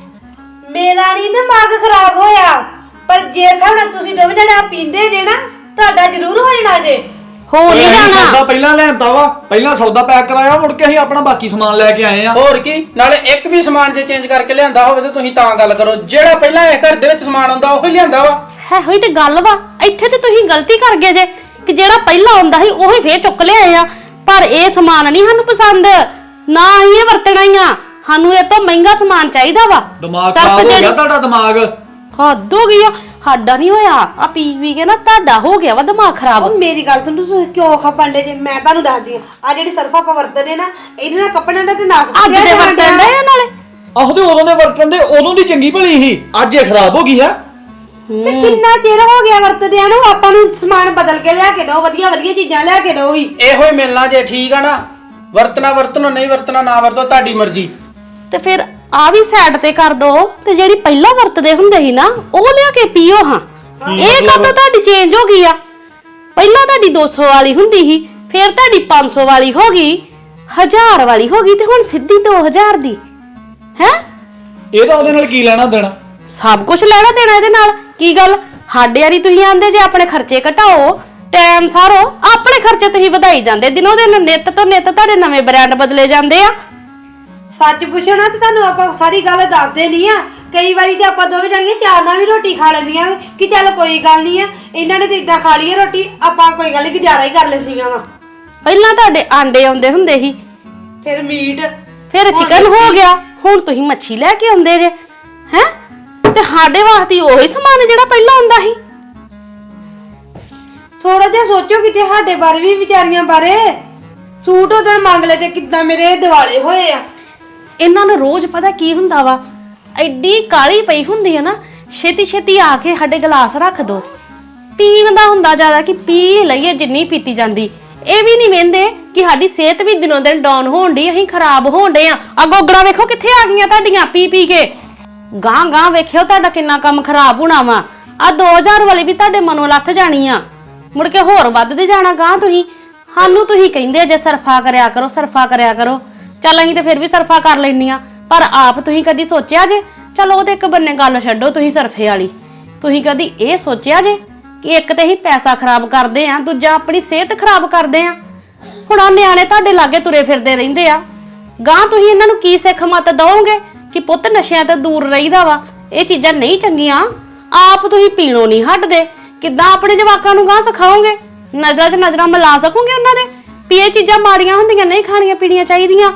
Speaker 2: ਮੇਰਾ ਨਹੀਂ ਦਿਮਾਗ ਖਰਾਬ ਹੋਇਆ, ਪਰ ਜੇ ਹੁਣ ਤੁਸੀਂ ਦੋਵੇਂ ਜਣੇ ਆ ਪੀਂਦੇ ਜੇ ਨਾ, ਤੁਹਾਡਾ ਜ਼ਰੂਰ ਹੋ ਜਾਣਾ ਜੇ।
Speaker 1: ਹੋ ਨਹੀਂ ਜਾਣਾ।
Speaker 3: ਸੌਦਾ ਪਹਿਲਾਂ ਲੈਂਦਾ ਵਾ, ਪਹਿਲਾਂ ਸੌਦਾ ਪੈਕ ਕਰਾਇਆ, ਮੁੜ ਕੇ ਅਸੀਂ ਆਪਣਾ ਬਾਕੀ ਸਮਾਨ ਲੈ ਕੇ ਆਏ ਆ।
Speaker 4: ਹੋਰ ਕੀ, ਨਾਲੇ ਇੱਕ ਵੀ ਸਮਾਨ ਜੇ ਚੇਂਜ ਕਰਕੇ ਲਿਆਂਦਾ ਹੋਵੇ ਤੇ ਤੁਸੀਂ ਤਾਂ ਗੱਲ ਕਰੋ, ਜਿਹੜਾ ਪਹਿਲਾਂ ਇਹ ਘਰ ਦੇ ਵਿੱਚ ਸਮਾਨ ਆਉਂਦਾ ਉਹ ਹੀ ਲਿਆਂਦਾ ਵਾ।
Speaker 1: ਹੈ ਹੋਈ ਤੇ ਗੱਲ ਵਾ, ਇੱਥੇ ਤੇ ਤੁਸੀਂ ਗਲਤੀ ਕਰ ਗਏ ਜੇ ਕਿ ਜਿਹੜਾ ਪਹਿਲਾਂ ਆਉਂਦਾ ਸੀ ਉਹੀ ਫੇਰ ਚੁੱਕ ਲਿਆਏ ਆ। ਪਰ ਇਹ ਸਮਾਨ ਨਹੀਂ ਸਾਨੂੰ ਪਸੰਦ, ਨਾ ਹੀ ਇਹ ਵਰਤਣਾ ਹੀ ਆ। ਸਾਨੂੰ ਇਹ ਤੋਂ ਮਹਿੰਗਾ ਸਮਾਨ ਚਾਹੀਦਾ ਵਾ।
Speaker 3: ਦਿਮਾਗ
Speaker 1: ਸਿਰਫ
Speaker 3: ਖਰਾਬ ਹੋ
Speaker 1: ਜਿਹੜੀ-
Speaker 3: ਗਿਆ ਤੁਹਾਡਾ ਦਿਮਾਗ।
Speaker 1: ਹੱਦ ਹੋ ਗਈ ਆ। ਸਾਡਾ ਨਹੀਂ ਹੋਇਆ, ਆ ਪੀ ਕੇ ਨਾ ਤੁਹਾਡਾ ਹੋ ਗਿਆ ਵਾ ਦਿਮਾਗ ਖਰਾਬ।
Speaker 2: ਉਹ ਮੇਰੀ ਗੱਲ ਸੁਣ, ਤੁਸੀਂ ਕਿਉਂ ਖਪਾਂਡੇ ਜੇ? ਮੈਂ ਤੁਹਾਨੂੰ ਦੱਸਦੀ ਆ ਜਿਹੜੀ ਸਰਫ ਆਪਾਂ ਵਰਤਦੇ ਨਾ, ਇਹਦੇ ਨਾਲ ਕੱਪੜਿਆਂ ਦਾ ਤੇ ਨਾਸ
Speaker 1: ਅੱਜ ਦੇ ਵਰਤਣ ਦੇ ਨਾਲੇ
Speaker 3: ਆਹੋ ਤੇ ਉਦੋਂ ਦੇ ਵਰਤਣ ਦੇ ਉਦੋਂ ਦੀ ਚੰਗੀ ਭਲੀ ਸੀ, ਅੱਜ ਇਹ ਖਰਾਬ ਹੋ ਗਈ ਆ।
Speaker 2: ਤੇ ਕਿੰਨਾ ਚਿਰ ਹੋ ਗਿਆ ਵਰਤਦਿਆਂ ਨੂੰ? ਆਪਾਂ ਨੂੰ ਸਮਾਨ ਬਦਲ ਕੇ ਲਿਆ ਕੇ ਦਿਓ, ਵਧੀਆ ਚੀਜ਼ਾਂ ਲਿਆ ਕੇ ਦਿਓ ਵੀ।
Speaker 4: ਇਹੋ ਹੀ ਮਿਲਣਾ ਜੇ, ਠੀਕ ਆ ਨਾ? ਵਰਤਣਾ ਵਰਤਣੋ, ਨਹੀਂ ਵਰਤਣਾ ਨਾ ਵਰਤੋ, ਤੁਹਾਡੀ ਮਰਜ਼ੀ।
Speaker 1: ਤੇ ਫਿਰ ਆ ਵੀ ਸਾਈਡ ਤੇ ਕਰ ਦੋ, ਤੇ ਜਿਹੜੀ ਪਹਿਲਾਂ ਵਰਤਦੇ ਹੁੰਦੇ ਸੀ ਨਾ ਉਹ ਲਿਆ ਕੇ ਪੀਓ। ਹਾਂ ਇਹ ਕਦੋਂ ਤੁਹਾਡੀ ਚੇਂਜ ਹੋ ਗਈ ਆ? ਪਹਿਲਾਂ ਤੁਹਾਡੀ 200 ਵਾਲੀ ਹੁੰਦੀ ਸੀ, ਫਿਰ ਤੁਹਾਡੀ 500 ਵਾਲੀ ਹੋ ਗਈ, 1000 ਵਾਲੀ ਹੋ ਗਈ, ਤੇ ਹੁਣ ਸਿੱਧੀ 2000 ਦੀ ਹੈ।
Speaker 3: ਇਹਦਾ ਉਹਦੇ ਨਾਲ ਕੀ ਲੈਣਾ ਦੇਣਾ?
Speaker 1: ਸਭ ਕੁਝ ਲੈਣਾ ਦੇਣਾ ਇਹਦੇ ਨਾਲ। ਕੀ ਗੱਲ ਸਾਡੇ ਵਾਲੀ ਤੁਸੀਂ ਆਂਦੇ ਜੇ ਆਪਣੇ ਖਰਚੇ ਘਟਾਓ, ਟਾਈਮ ਸਾਰੋ, ਆਪਣੇ ਖਰਚੇ ਤੁਸੀਂ ਵਧਾਈ ਜਾਂਦੇ। ਦਿਨੋਂ ਦਿਨ ਨਿੱਤ ਤੋਂ ਨਿੱਤ ਤੁਹਾਡੇ ਨਵੇਂ ਬ੍ਰਾਂਡ ਬਦਲੇ ਜਾਂਦੇ ਆ।
Speaker 2: ਸੱਚ ਪੁੱਛੋ ਨਾ ਤੇ ਤੁਹਾਨੂੰ ਆਪਾਂ ਸਾਰੀ ਗੱਲ ਦੱਸਦੇ ਨਹੀਂ ਆ। ਕਈ ਵਾਰੀ ਤੇ ਆਪਾਂ ਦੋਵੇਂ ਜਣੀਆਂ ਚਾਰ ਨਾਲ ਵੀ ਰੋਟੀ ਖਾ ਲੈਂਦੀਆਂ ਕਿ ਚੱਲ ਕੋਈ ਗੱਲ ਨਹੀਂ ਆ, ਇਹਨਾਂ ਨੇ ਤੇ ਇਦਾਂ ਖਾ ਲਈ ਰੋਟੀ, ਆਪਾਂ ਕੋਈ ਗੱਲ ਨਹੀਂ ਗੁਜ਼ਾਰਾ ਹੀ ਕਰ ਲੈਂਦੀਆਂ ਵਾ।
Speaker 1: ਪਹਿਲਾਂ ਤੁਹਾਡੇ ਆਂਡੇ ਆਉਂਦੇ ਹੁੰਦੇ ਸੀ,
Speaker 2: ਫਿਰ ਮੀਟ,
Speaker 1: ਫਿਰ ਚਿਕਨ ਹੋ ਗਿਆ, ਹੁਣ ਤੁਸੀਂ ਮੱਛੀ ਲੈ ਕੇ ਆਉਂਦੇ ਜੇ ਹੈ। ਤੇ ਸਾਡੇ ਵਾਸਤੇ ਉਹੀ ਸਮਾਨ ਜਿਹੜਾ ਪਹਿਲਾਂ ਆਉਂਦਾ ਸੀ।
Speaker 2: ਥੋੜਾ ਜਿਹਾ ਸੋਚੋ ਕਿਤੇ ਸਾਡੇ ਬਾਰੇ ਵੀ, ਵਿਚਾਰੀਆਂ ਬਾਰੇ। ਸੂਟ ਉਦੋਂ ਮੰਗ ਲਏ ਤੇ ਕਿੱਦਾਂ ਮੇਰੇ ਦਿਵਾਲੇ ਹੋਏ ਆ।
Speaker 1: ਇਹਨਾਂ ਨੂੰ ਰੋਜ਼ ਪਤਾ ਕੀ ਹੁੰਦਾ ਵਾ, ਐਡੀ ਕਾਲੀ ਪਈ ਹੁੰਦੀ ਹੈ ਨਾ, ਛੇਤੀ ਛੇਤੀ ਆ ਕੇ ਸਾਡੇ ਗਲਾਸ ਰੱਖ ਦੋ। ਪੀਣ ਦਾ ਹੁੰਦਾ ਜ਼ਿਆਦਾ ਕਿ ਪੀ ਲਈਏ ਜਿੰਨੀ ਪੀਤੀ ਜਾਂਦੀ। ਇਹ ਵੀ ਨਹੀਂ ਵੇਂਦੇ ਕਿ ਸਾਡੀ ਸਿਹਤ ਵੀ ਦਿਨੋਂ ਦਿਨ ਡਾਊਨ ਹੋਣ ਡਈ, ਅਸੀਂ ਖਰਾਬ ਹੋਣ ਡੇ ਆ। ਆ ਗੋਗੜਾ ਵੇਖੋ ਕਿੱਥੇ ਆ ਗਈਆਂ ਤੁਹਾਡੀਆਂ ਪੀ ਪੀ ਕੇ। ਗਾਂ ਗਾਂ ਵੇਖਿਓ ਤੁਹਾਡਾ ਕਿੰਨਾ ਕੰਮ ਖਰਾਬ ਹੋਣਾ ਵਾ। ਆ 2000 ਵਾਲੀ ਵੀ ਤੁਹਾਡੇ ਮਨੋਂ ਲੱਥ ਜਾਣੀ ਆ, ਮੁੜ ਕੇ ਹੋਰ ਵੱਧਦੇ ਜਾਣਾ ਗਾਂ। ਸਾਨੂੰ ਤੁਸੀਂ ਕਹਿੰਦੇ ਜੇ ਸਰਫਾ ਕਰਿਆ ਕਰੋ, ਸਰਫਾ ਕਰਿਆ ਕਰੋ। ਚੱਲ ਅਸੀਂ ਤੇ ਫਿਰ ਵੀ ਸਰਫਾ ਕਰ ਲੈਂਦੀਆਂ, ਪਰ ਆਪ ਤੁਸੀਂ ਕਦੀ ਸੋਚਿਆ ਜੇ? ਚਲੋ ਉਹਦੇ ਇੱਕ ਬੰਨੇ ਗੱਲ ਛੱਡੋ, ਤੁਸੀਂ ਸਰਫੇ ਵਾਲੀ, ਤੁਸੀਂ ਕਦੀ ਇਹ ਸੋਚਿਆ ਜੇ ਕਿ ਇੱਕ ਤੇ ਅਸੀਂ ਪੈਸਾ ਖਰਾਬ ਕਰਦੇ ਆ, ਦੂਜਾ ਆਪਣੀ ਸਿਹਤ ਖਰਾਬ ਕਰਦੇ ਆ। ਹੁਣ ਆ ਨਿਆਣੇ ਤੁਹਾਡੇ ਲਾਗੇ ਤੁਰੇ ਫਿਰਦੇ ਰਹਿੰਦੇ ਆ, ਗਾਂ ਤੁਸੀਂ ਇਹਨਾਂ ਨੂੰ ਕੀ ਸਿੱਖ ਮਤ ਦਓਗੇ ਕਿ ਪੁੱਤ ਨਸ਼ਿਆਂ ਤੋਂ ਦੂਰ ਰਹੀਦਾ ਵਾ, ਇਹ ਚੀਜ਼ਾਂ ਨਹੀਂ ਚੰਗੀਆਂ। ਆਪ ਤੁਸੀਂ ਪੀਣੋਂ ਨਹੀਂ ਹਟਦੇ, ਕਿੱਦਾਂ ਆਪਣੇ ਜਵਾਕਾਂ ਨੂੰ ਗਾਂ ਸਿਖਾਓਗੇ? ਨਜ਼ਰਾਂ 'ਚ ਨਜ਼ਰਾਂ ਮਿਲਾ ਸਕੋਗੇ ਉਹਨਾਂ ਦੇ ਵੀ ਇਹ ਚੀਜ਼ਾਂ ਮਾੜੀਆਂ ਹੁੰਦੀਆਂ, ਨਹੀਂ ਖਾਣੀਆਂ ਪੀਣੀਆਂ ਚਾਹੀਦੀਆਂ।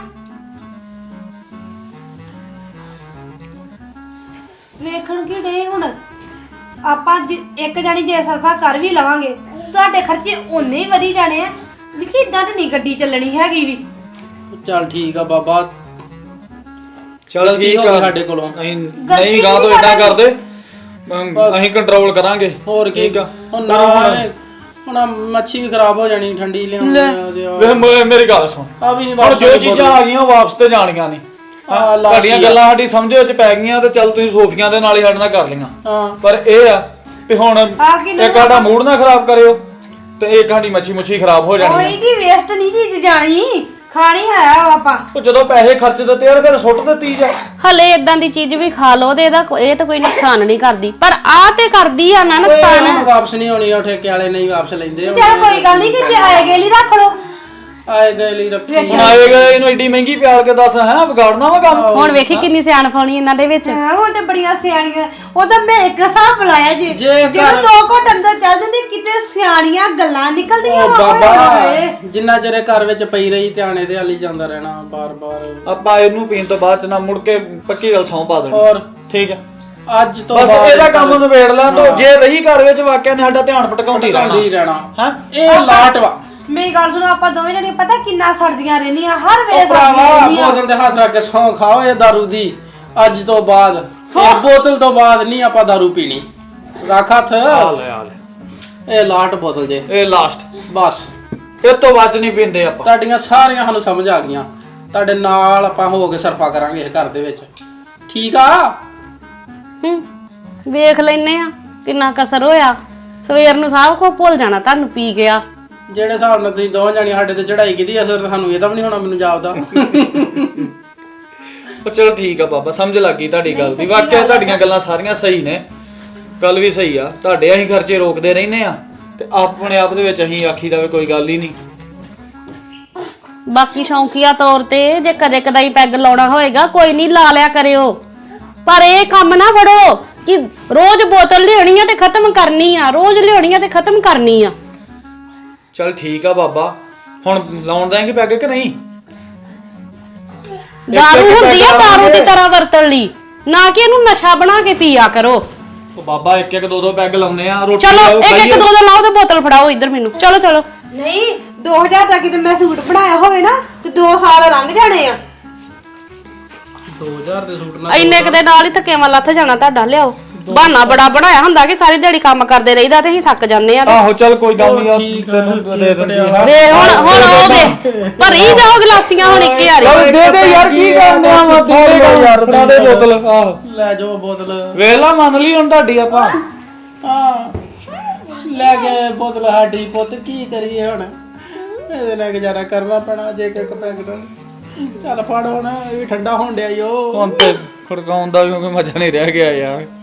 Speaker 2: ਵੇਖਣ ਕੀ ਡੇ ਹੁਣ ਆਪਾਂ ਇੱਕ ਜਾਨੀ ਜੇ ਸਰਫਾ ਕਰ ਵੀ ਲਵਾਂਗੇ, ਤੁਹਾਡੇ ਖਰਚੇ ਓਨੇ ਹੀ ਵਧੀ ਜਾਣੇ ਆ ਵੀ ਕਿ ਇਦਾਂ ਤੇ ਨਹੀਂ ਗੱਡੀ ਚੱਲਣੀ ਹੈਗੀ ਵੀ।
Speaker 4: ਚੱਲ ਠੀਕ ਆ ਬਾਬਾ,
Speaker 3: ਚਲ ਠੀਕ ਆ,
Speaker 4: ਸਾਡੇ ਕੋਲੋਂ
Speaker 3: ਨਹੀਂ ਗਾਂ ਤੋਂ ਇਦਾਂ ਕਰਦੇ, ਅਸੀਂ ਕੰਟਰੋਲ ਕਰਾਂਗੇ।
Speaker 4: ਹੋਰ ਕੀ ਹੁਣ ਨਾ ਹੁਣ ਮੱਛੀ ਵੀ ਖਰਾਬ ਹੋ ਜਾਣੀ, ਠੰਡੀ ਲਿਆਉਣੀ।
Speaker 3: ਮੇਰੀ ਗੱਲ ਸੁਣ,
Speaker 4: ਆ ਵੀ ਨਹੀਂ
Speaker 3: ਹੁਣ ਜੋ ਚੀਜ਼ਾਂ ਆ ਗਈਆਂ ਉਹ ਵਾਪਸ ਤੇ ਜਾਣੀਆਂ ਨਹੀਂ। ਤੁਹਾਡੀਆਂ ਗੱਲਾਂ ਸਾਡੀ ਸਮਝ ਵਿੱਚ ਪੈ ਗਈਆਂ ਤੇ ਚੱਲ ਤੁਸੀਂ ਸੋਫੀਆਂ ਦੇ ਨਾਲ ਹੀ ਸਾਡੇ ਨਾਲ ਕਰ ਲਈਆਂ, ਪਰ ਇਹ ਆ ਵੀ ਹੁਣ ਇੱਕ ਸਾਡਾ ਮੂਡ ਨਾ ਖਰਾਬ ਕਰਿਓ ਤੇ ਇੱਕ ਸਾਡੀ ਮੱਛੀ ਮੁੱਛੀ ਖਰਾਬ ਹੋ ਜਾਣੀ।
Speaker 2: ਕੋਈ ਕੀ ਵੇਸਟ ਨਹੀਂ ਚੀਜ਼ ਜਾਣੀ, ਖਾਣੀ ਹੈ ਆਪਾਂ।
Speaker 3: ਉਹ ਜਦੋਂ ਪੈਸੇ ਖਰਚ ਦਿੱਤੇ ਯਾਰ ਫਿਰ ਸੁੱਟ ਦਿੱਤੀ ਜਾ।
Speaker 1: ਹਲੇ ਇਦਾਂ ਦੀ ਚੀਜ਼ ਵੀ ਖਾ ਲਓ ਤੇ ਇਹ ਤਾਂ ਕੋਈ ਨੁਕਸਾਨ ਨਹੀਂ ਕਰਦੀ, ਪਰ ਆ ਤੇ ਕਰਦੀ ਆ ਨਾ ਨੁਕਸਾਨ।
Speaker 4: ਵਾਪਸ ਨਹੀਂ ਹੋਣੀ, ਉਹ ਠੇਕੇ ਵਾਲੇ ਨਹੀਂ ਵਾਪਸ ਲੈਂਦੇ।
Speaker 2: ਚੱਲ ਕੋਈ ਗੱਲ ਨਹੀਂ ਕਿ ਆਏ ਗਏ ਲਈ ਰੱਖ ਲਓ,
Speaker 4: ਆਏ ਗਏ ਲਈ ਰੱਖੀ।
Speaker 3: ਹੁਣ ਆਏਗਾ ਇਹਨੂੰ ਏਡੀ ਮਹਿੰਗੀ ਪਿਆਰ ਕੇ ਦੱਸ ਹੈ ਵਿਗਾੜਨਾ ਵਾ ਕੰਮ।
Speaker 1: ਹੁਣ ਵੇਖੀ ਕਿੰਨੀ ਸਿਆਣਪ ਆਉਣੀ ਇਹਨਾਂ ਦੇ ਵਿੱਚ।
Speaker 2: ਹੁਣ ਤੇ ਬੜੀਆਂ ਸਿਆਣੀਆਂ, ਉਹਦਾ ਮੈਂ ਇੱਕ ਹਿਸਾਬ ਬੁਲਾਇਆ ਜੀ,
Speaker 4: ਜੇ
Speaker 2: ਜਦੋਂ 2 ਘੰਟੇ ਅੰਦਰ ਚੱਲ ਜਾਂਦੇ ਕਿਤੇ ਸਿਆਣੀਆਂ ਗੱਲਾਂ ਨਿਕਲਦੀਆਂ ਵਾ।
Speaker 4: ਬਾਬਾ ਜਿੰਨਾ ਚਿਰ ਘਰ ਵਿੱਚ ਪਈ ਰਹੀ ਧਿਆਨੇ ਦੇ ਹਾਲੀ ਜਾਂਦਾ ਰਹਿਣਾ ਬਾਰ-ਬਾਰ।
Speaker 3: ਆਪਾਂ ਇਹਨੂੰ ਪੀਣ ਤੋਂ ਬਾਅਦ ਚ ਨਾ ਮੁੜ ਕੇ ਪੱਕੀ ਗੱਲ ਸੌਂ ਪਾ ਦੇਣੀ।
Speaker 4: ਹੋਰ
Speaker 3: ਠੀਕ ਹੈ,
Speaker 4: ਅੱਜ ਤੋਂ
Speaker 3: ਬਸ ਇਹਦਾ ਕੰਮ ਨਿਬੇੜ ਲੈਣ ਤੋਂ। ਜੇ ਰਹੀ ਘਰ ਵਿੱਚ ਵਾਕਿਆ ਨੇ ਸਾਡਾ ਧਿਆਨ ਭਟਕਾਉਂਦੀ
Speaker 4: ਰਹਿਣਾ
Speaker 3: ਹੈ।
Speaker 4: ਇਹ ਲਾਟ ਵਾ।
Speaker 2: ਮੇਰੀ ਗੱਲ ਸੁਣੋ, ਆਪਾਂ ਦੋਵੇਂ ਜਣੇ ਪਤਾ ਕਿੰਨਾ ਸੜਦੀਆਂ ਰਹਿੰਦੀਆਂ, ਹਰ ਵੇਲੇ
Speaker 4: ਉਹ ਭਰਾਵਾ
Speaker 2: ਸੜਦੀਆਂ ਰਹਿੰਦੀਆਂ।
Speaker 4: ਬੋਤਲ ਦੇ ਹੱਥ ਰੱਖ ਕੇ ਸੌਂ ਖਾਓ ਇਹ ਦਾਰੂ ਦੀ। ਅੱਜ ਤੋਂ ਬਾਅਦ ਇਹ ਬੋਤਲ ਤੋਂ ਬਾਅਦ ਨਹੀਂ ਆਪਾਂ ਦਾਰੂ ਪੀਣੀ। ਰੱਖ ਹੱਥ। ਇਹ ਲਾਟ ਬੋਤਲ ਜੇ,
Speaker 3: ਇਹ ਲਾਸਟ,
Speaker 4: ਬਸ
Speaker 3: ਇਹ ਤੋਂ ਬਾਅਦ ਨਹੀਂ ਪੀਂਦੇ ਆਪਾਂ।
Speaker 4: ਤੁਹਾਡੀਆਂ ਸਾਰੀਆਂ ਸਾਨੂੰ ਸਮਝ ਆ ਗਈਆਂ, ਤੁਹਾਡੇ ਨਾਲ ਆਪਾਂ ਹੋ ਕੇ ਸਰਫਾ ਕਰਾਂਗੇ ਇਸ ਘਰ ਦੇ ਵਿੱਚ, ਠੀਕ ਆ?
Speaker 1: ਵੇਖ ਲੈਨੇ ਆ ਕਿੰਨਾ ਕਸਰ ਹੋਇਆ। ਸਵੇਰ ਨੂੰ ਸਭ ਕੁਝ ਭੁੱਲ ਜਾਣਾ ਤੁਹਾਨੂੰ ਪੀ ਗਿਆ।
Speaker 4: ਜਿਹੜੇ ਹਿਸਾਬ ਨਾਲ ਤੁਸੀਂ ਦੋਵਾਂ ਜਾਣੀ ਸਾਡੇ ਤੇ ਚੜਾਈ ਕੀਤੀ ਅਸਰ ਤਾਂ ਸਾਨੂੰ ਇਹਦਾ ਵੀ ਨਹੀਂ ਹੋਣਾ, ਮੈਨੂੰ ਜਾਪਦਾ।
Speaker 3: ਉਹ ਚਲੋ ਠੀਕ ਆ ਬਾਬਾ, ਸਮਝ ਲੱਗ ਗਈ ਤੁਹਾਡੀ ਗੱਲ ਦੀ। ਵਾਕਿਆ ਤੁਹਾਡੀਆਂ ਗੱਲਾਂ ਸਾਰੀਆਂ ਸਹੀ ਨੇ, ਗੱਲ ਵੀ ਸਹੀ ਆ। ਤੁਹਾਡੇ ਅਸੀਂ ਖਰਚੇ ਰੋਕਦੇ ਰਹਿੰਦੇ ਆ ਤੇ ਆਪਣੇ ਆਪ ਦੇ ਵਿੱਚ ਅਸੀਂ ਆਖੀ ਦਾ ਵੀ ਕੋਈ ਗੱਲ ਹੀ ਨਹੀਂ।
Speaker 1: ਬਾਕੀ ਸ਼ੌਂਕੀਆ ਤੌਰ ਤੇ ਜੇ ਕਦੇ ਕਦਾਈ ਪੈਗ ਲਾਉਣਾ ਹੋਏਗਾ ਕੋਈ ਨਹੀਂ ਲਾ ਲਿਆ ਕਰਿਓ, ਪਰ ਇਹ ਕੰਮ ਨਾ ਫੜੋ ਕਿ ਰੋਜ਼ ਬੋਤਲ ਲਿਆਉਣੀ ਆ ਤੇ ਖਤਮ ਕਰਨੀ ਆ, ਰੋਜ਼ ਲਿਆਉਣੀ ਆ ਤੇ ਖਤਮ ਕਰਨੀ ਆ।
Speaker 3: ਚਲ ਠੀਕ ਆ ਬਾਬਾ, ਹੁਣ ਲਾਉਣ ਦਾਂਗੇ ਪੈਗ ਕਿ ਨਹੀਂ?
Speaker 1: ਦਾਰੂ ਹੁੰਦੀ ਆ ਦਾਰੂ ਦੀ ਤਰ੍ਹਾਂ ਵਰਤਣ ਲਈ, ਨਾ ਕਿ ਇਹਨੂੰ ਨਸ਼ਾ ਬਣਾ ਕੇ ਪੀਆ ਕਰੋ।
Speaker 3: ਉਹ ਬਾਬਾ ਇੱਕ ਇੱਕ ਦੋ ਦੋ ਪੈਗ ਲਾਉਨੇ ਆ, ਰੋਟੀ
Speaker 1: ਚਲੋ
Speaker 3: ਖਾਓ,
Speaker 1: ਇੱਕ ਇੱਕ
Speaker 3: ਖਾਈਏ।
Speaker 1: ਦੋ ਦੋ ਲਾਓ ਤੇ ਬੋਤਲ ਫੜਾਓ ਇੱਧਰ ਮੈਨੂੰ। ਚਲੋ ਚਲੋ।
Speaker 2: ਨਹੀਂ 2000 ਦਾ ਕਿਤੇ ਮੈਂ ਸੂਟ ਬਣਾਇਆ ਹੋਵੇ ਨਾ ਤੇ 2 ਸਾਲ ਲੰਘ ਜਾਣੇ ਆ।
Speaker 4: 2000 ਦੇ ਸੂਟ ਨਾਲ
Speaker 1: ਇੰਨੇ ਕਦੇ ਨਾਲ ਹੀ ਥੱਕੇਵਾਂ ਲੱਥ ਜਾਣਾ ਤੁਹਾਡਾ। ਲਿਆਓ ਬਹਾਨਾ ਬੜਾ ਬਣਾਇਆ ਹੁੰਦਾ ਕਿ ਸਾਰੀ ਦਿਹਾੜੀ ਕੰਮ ਕਰਦੇ ਰਹੀਦਾ ਤੇ ਅਸੀਂ ਥੱਕ ਜਾਂਦੇ ਆ।
Speaker 3: ਆਹੋ ਚਲ ਕੋਈ ਗੱਲ ਨਹੀਂ,
Speaker 4: ਠੀਕ ਆ,
Speaker 3: ਦੇ ਦਿੰਦੀ ਆ।
Speaker 1: ਵੇ ਹੁਣ ਉਹ ਵੇ ਭਰੀ ਜਾਓ ਗਲਾਸੀਆਂ ਹੁਣ ਇੱਕ ਯਾਰੀ।
Speaker 3: ਦੇ ਦੇ ਯਾਰ, ਕੀ ਕਰਨੇ ਆ? ਮੈਂ ਦੇ ਦੇ ਯਾਰ, ਫੜਾ ਦੇ ਬੋਤਲ। ਆਹੋ
Speaker 4: ਲੈ ਜਾਓ ਬੋਤਲ।
Speaker 3: ਵੇਲਾ ਮੰਨ ਲਈ ਹੁਣ ਤੁਹਾਡੀ ਆਪਾਂ।
Speaker 4: ਹਾਂ ਲੈ ਕੇ ਬੋਤਲ ਸਾਡੀ, ਪੁੱਤ ਕੀ ਕਰੀਏ ਹੁਣ, ਇਹਦੇ ਨਾਲ ਗੁਜ਼ਾਰਾ ਕਰਨਾ ਪੈਣਾ ਜੇ ਇੱਕ ਪੈਗ ਨਾਲ। ਚੱਲ ਫੜ ਹੁਣ, ਇਹ ਵੀ ਠੰਡਾ ਹੋਣ ਡਿਆ ਈ ਉਹ।
Speaker 3: ਹੁਣ ਤੇ ਖੜਕਾਉਣ ਦਾ ਵੀ ਕੋਈ ਮਜ਼ਾ ਨਹੀਂ ਰਹਿ ਗਿਆ ਯਾਰ।